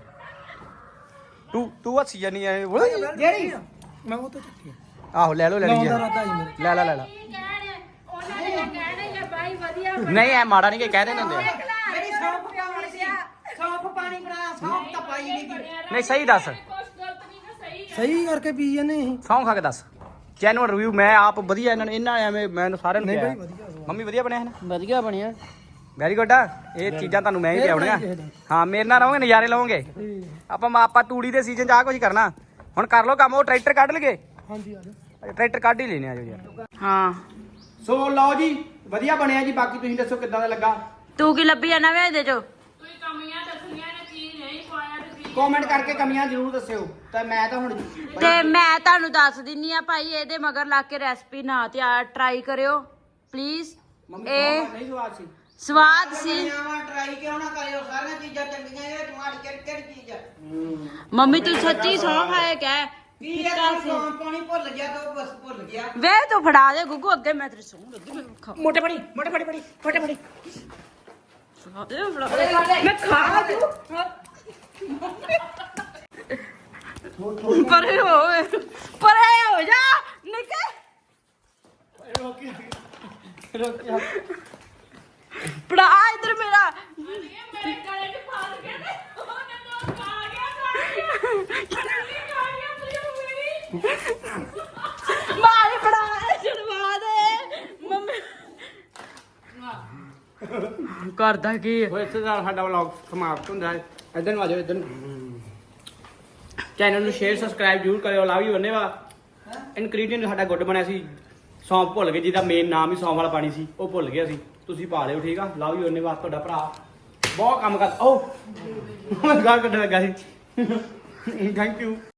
Speaker 3: ਤੂੰ ਤੂੰ ਹੱਸੀ ਜਾਨੀ ਐ
Speaker 4: ਜਿਹੜੀ
Speaker 6: ਮੈਂ ਉਹ ਤਾਂ ਚੱਕੀ
Speaker 3: ਆਹੋ ਲੈ ਲਓ ਲੈ ਲਈ
Speaker 6: ਲਾਉਂਦਾ ਰਾਤਾ ਜੀ ਮੇਰੇ
Speaker 3: ਲੈ ਲੈ ਲੈ ਲੈ
Speaker 5: ਉਹਨਾਂ ਨੇ ਤਾਂ ਕਹਿਣਾ ਹੀ ਆ ਬਾਈ ਵਧੀਆ
Speaker 3: ਨਹੀਂ ਐ ਮਾੜਾ ਨਹੀਂ ਕਿ ਕਹਿ ਦੇਣ ਹੁੰਦੇ ਆ।
Speaker 4: ਮੇਰੀ ਸੌਂਫ ਪਾਉਣੀ ਸੀ ਸੌਂਫ ਪਾਣੀ ਬਣਾ ਸੌਂਫ ਤਾਂ ਪਾਈ ਨਹੀਂ ਗਈ
Speaker 3: ਨਹੀਂ ਸਹੀ ਦੱਸ
Speaker 1: ਕੁਛ ਗਲਤ ਨਹੀਂ ਨਾ ਸਹੀ
Speaker 6: ਸਹੀ ਕਰਕੇ ਪੀ ਜਾਂਦੇ ਅਸੀਂ
Speaker 3: ਸੌਂ ਖਾ ਕੇ ਦੱਸ ਜੈਨੂਅਲ ਰਿਵਿਊ ਮੈਂ ਆਪ ਵਧੀਆ ਇਹਨਾਂ ਨੇ ਇਹਨਾਂ ਐਵੇਂ ਮੈਨੂੰ ਸਾਰਿਆਂ ਨੂੰ
Speaker 6: ਨਹੀਂ
Speaker 3: ਕਿਹਾ
Speaker 6: ਬਾਈ ਵਧੀਆ
Speaker 3: ਮੰਮੀ ਵਧੀਆ ਬਣਿਆ ਹੈ ਨਾ
Speaker 4: ਵਧੀਆ ਬਣਿਆ
Speaker 3: ਵੈਰੀ ਗੁੱਡ ਆ ਇਹ ਚੀਜ਼ਾਂ ਤੁਹਾਨੂੰ ਮੈਂ ਹੀ
Speaker 6: ਫੇਰ
Speaker 3: ਪਿਆਉਣੀਆਂ
Speaker 6: ਬਣਾਈ ਕਿਸੇ
Speaker 3: ਹਾਂ ਮੇਰੇ ਨਾਲ ਰਹੋਗੇ ਨਜ਼ਾਰੇ ਲਵੋਗੇ ਆਪਾਂ ਆਪਾਂ ਤੂੜੀ ਦੇ ਸੀਜ਼ਨ 'ਚ ਆ ਕੁਝ ਕਰਨਾ ਹੁਣ ਕਰ ਲਓ ਕੰਮ ਉਹ ਟਰੈਕਟਰ ਕੱਢ ਲਗੇ
Speaker 6: ਹਾਂਜੀ ਆ ਜਾ
Speaker 3: ਟਰੈਕਟਰ ਕੱਢ ਹੀ ਲੈਣੇ ਆ ਜੋ ਯਾਰ
Speaker 5: ਹਾਂ
Speaker 3: ਸੋ ਲਓ ਜੀ ਵਧੀਆ ਬਣਿਆ ਜੀ ਬਾਕੀ ਤੁਸੀਂ ਦੱਸੋ ਕਿੱਦਾਂ ਦਾ ਲੱਗਾ
Speaker 5: ਤੂੰ ਕੀ ਲੱਭੀ ਜਾਣਾ ਵੇ ਇਹਦੇ ਚੋਂ
Speaker 1: ਤੁਸੀਂ ਕਮੀਆਂ ਦੱਸਣੀਆਂ ਨੇ ਕੀ ਨਹੀਂ ਪਾਇਆ ਤੇ ਕੀ
Speaker 3: ਕਮੈਂਟ ਕਰਕੇ ਕਮੀਆਂ ਜ਼ਰੂਰ ਦੱਸਿਓ ਤਾਂ ਮੈਂ ਤਾਂ ਹੁਣ
Speaker 5: ਤੇ ਮੈਂ ਤੁਹਾਨੂੰ ਦੱਸ ਦਿੰਨੀ ਆ ਭਾਈ ਇਹਦੇ ਮਗਰ ਲਾ ਕੇ ਰੈਸਪੀ ਨਾ ਤੇ ਟਰਾਈ ਕਰਿਓ ਪਲੀਜ਼
Speaker 3: ਮੰਮੀ
Speaker 5: ਇਹ
Speaker 3: ਨਹੀਂ ਸਵਾਦ ਸੀ
Speaker 5: ਸਵਾਦ ਸੀ
Speaker 4: ਟਰਾਈ ਕਿਉਂ ਨਾ ਕਰਿਓ ਸਾਰੀਆਂ ਚੀਜ਼ਾਂ ਚੰਗੀਆਂ ਇਹ ਤੁਹਾਡੀ ਕਿਹੜੀ ਕਿਹੜੀ ਚੀਜ਼ ਆ
Speaker 5: ਮੰਮੀ ਤੂੰ ਸੱਚੀ ਸੌਂ ਖਾਏ ਕਹਿ
Speaker 4: ਕੀ ਇਹ ਸੌਂਫ ਪਾਣੀ ਭੁੱਲ ਗਿਆ ਤਾਂ ਉਹ ਬਸ ਭੁੱਲ ਗਿਆ
Speaker 5: ਵੇ ਤੂੰ ਫੜਾ ਦੇ ਗੁੱਗੂ ਅੱਗੇ ਮੈਂ ਤੇਰੀ ਸੌਂ ਲੱਗੀ ਮੈਨੂੰ ਖਾ
Speaker 3: ਮੋਟੇ ਫੜੀ ਮੋਟੇ ਫੜੀ ਫੜੀ ਮੋਟੇ ਫੜੀ
Speaker 5: ਫੜਾ ਦੇ, ਫੜਾ ਦੇ। ਮੈਂ ਖਾ ਦੂੰ ਪਰੇ ਹੋ ਪਰੇ ਹੋ ਜਾ ਨਿੱਕੇ ਪੜਾ ਇਧਰ ਮੇਰਾ
Speaker 1: ਮੇਰੇ ਗਲੇ 'ਚ ਫਸ ਗਿਆ ਤੇ ਉਹਨੇ ਤੋਂ ਖਾ ਗਿਆ ਖਾ ਗਿਆ ਜਲਦੀ ਖਾ ਗਿਆ ਤੂੰ ਮੇਰੀ
Speaker 5: ਮਾਰੇ ਪੜਾ ਛਡਵਾ ਦੇ ਮੰਮੀ ਕਰਦਾ ਕੀ
Speaker 3: ਉਹ ਇਸੇ ਨਾਲ ਸਾਡਾ ਵਲੌਗ ਸਮਾਪਤ ਹੁੰਦਾ ਹੈ ਇਧਰ ਨੂੰ ਆ ਜਾਓ ਇਧਰ ਨੂੰ ਚੈਨਲ ਨੂੰ ਸ਼ੇਅਰ ਸਬਸਕ੍ਰਾਈਬ ਜ਼ਰੂਰ ਕਰਿਓ ਲਵ ਯੂ ਧੰਨਵਾਦ ਇਨਗਰੀਡੀਅੰਟ ਸਾਡਾ ਗੁੱਡ ਬਣਿਆ ਸੀ ਸੌਂਫ ਭੁੱਲ ਗਏ ਜਿਹਦਾ ਮੇਨ ਨਾਮ ਹੀ ਸੌਂਫ ਵਾਲਾ ਪਾਣੀ ਸੀ ਉਹ ਭੁੱਲ ਗਿਆ ਸੀ ਤੁਸੀਂ ਪਾ ਲਿਓ ਠੀਕ ਆ ਲਵ ਯੂ ਧੰਨਵਾਦ ਤੁਹਾਡਾ ਭਰਾ ਬਹੁਤ ਕੰਮ ਕਰ ਓ ਗੱਲ ਕੱਢਣ ਲੱਗਾ ਸੀ ਥੈਂਕ ਯੂ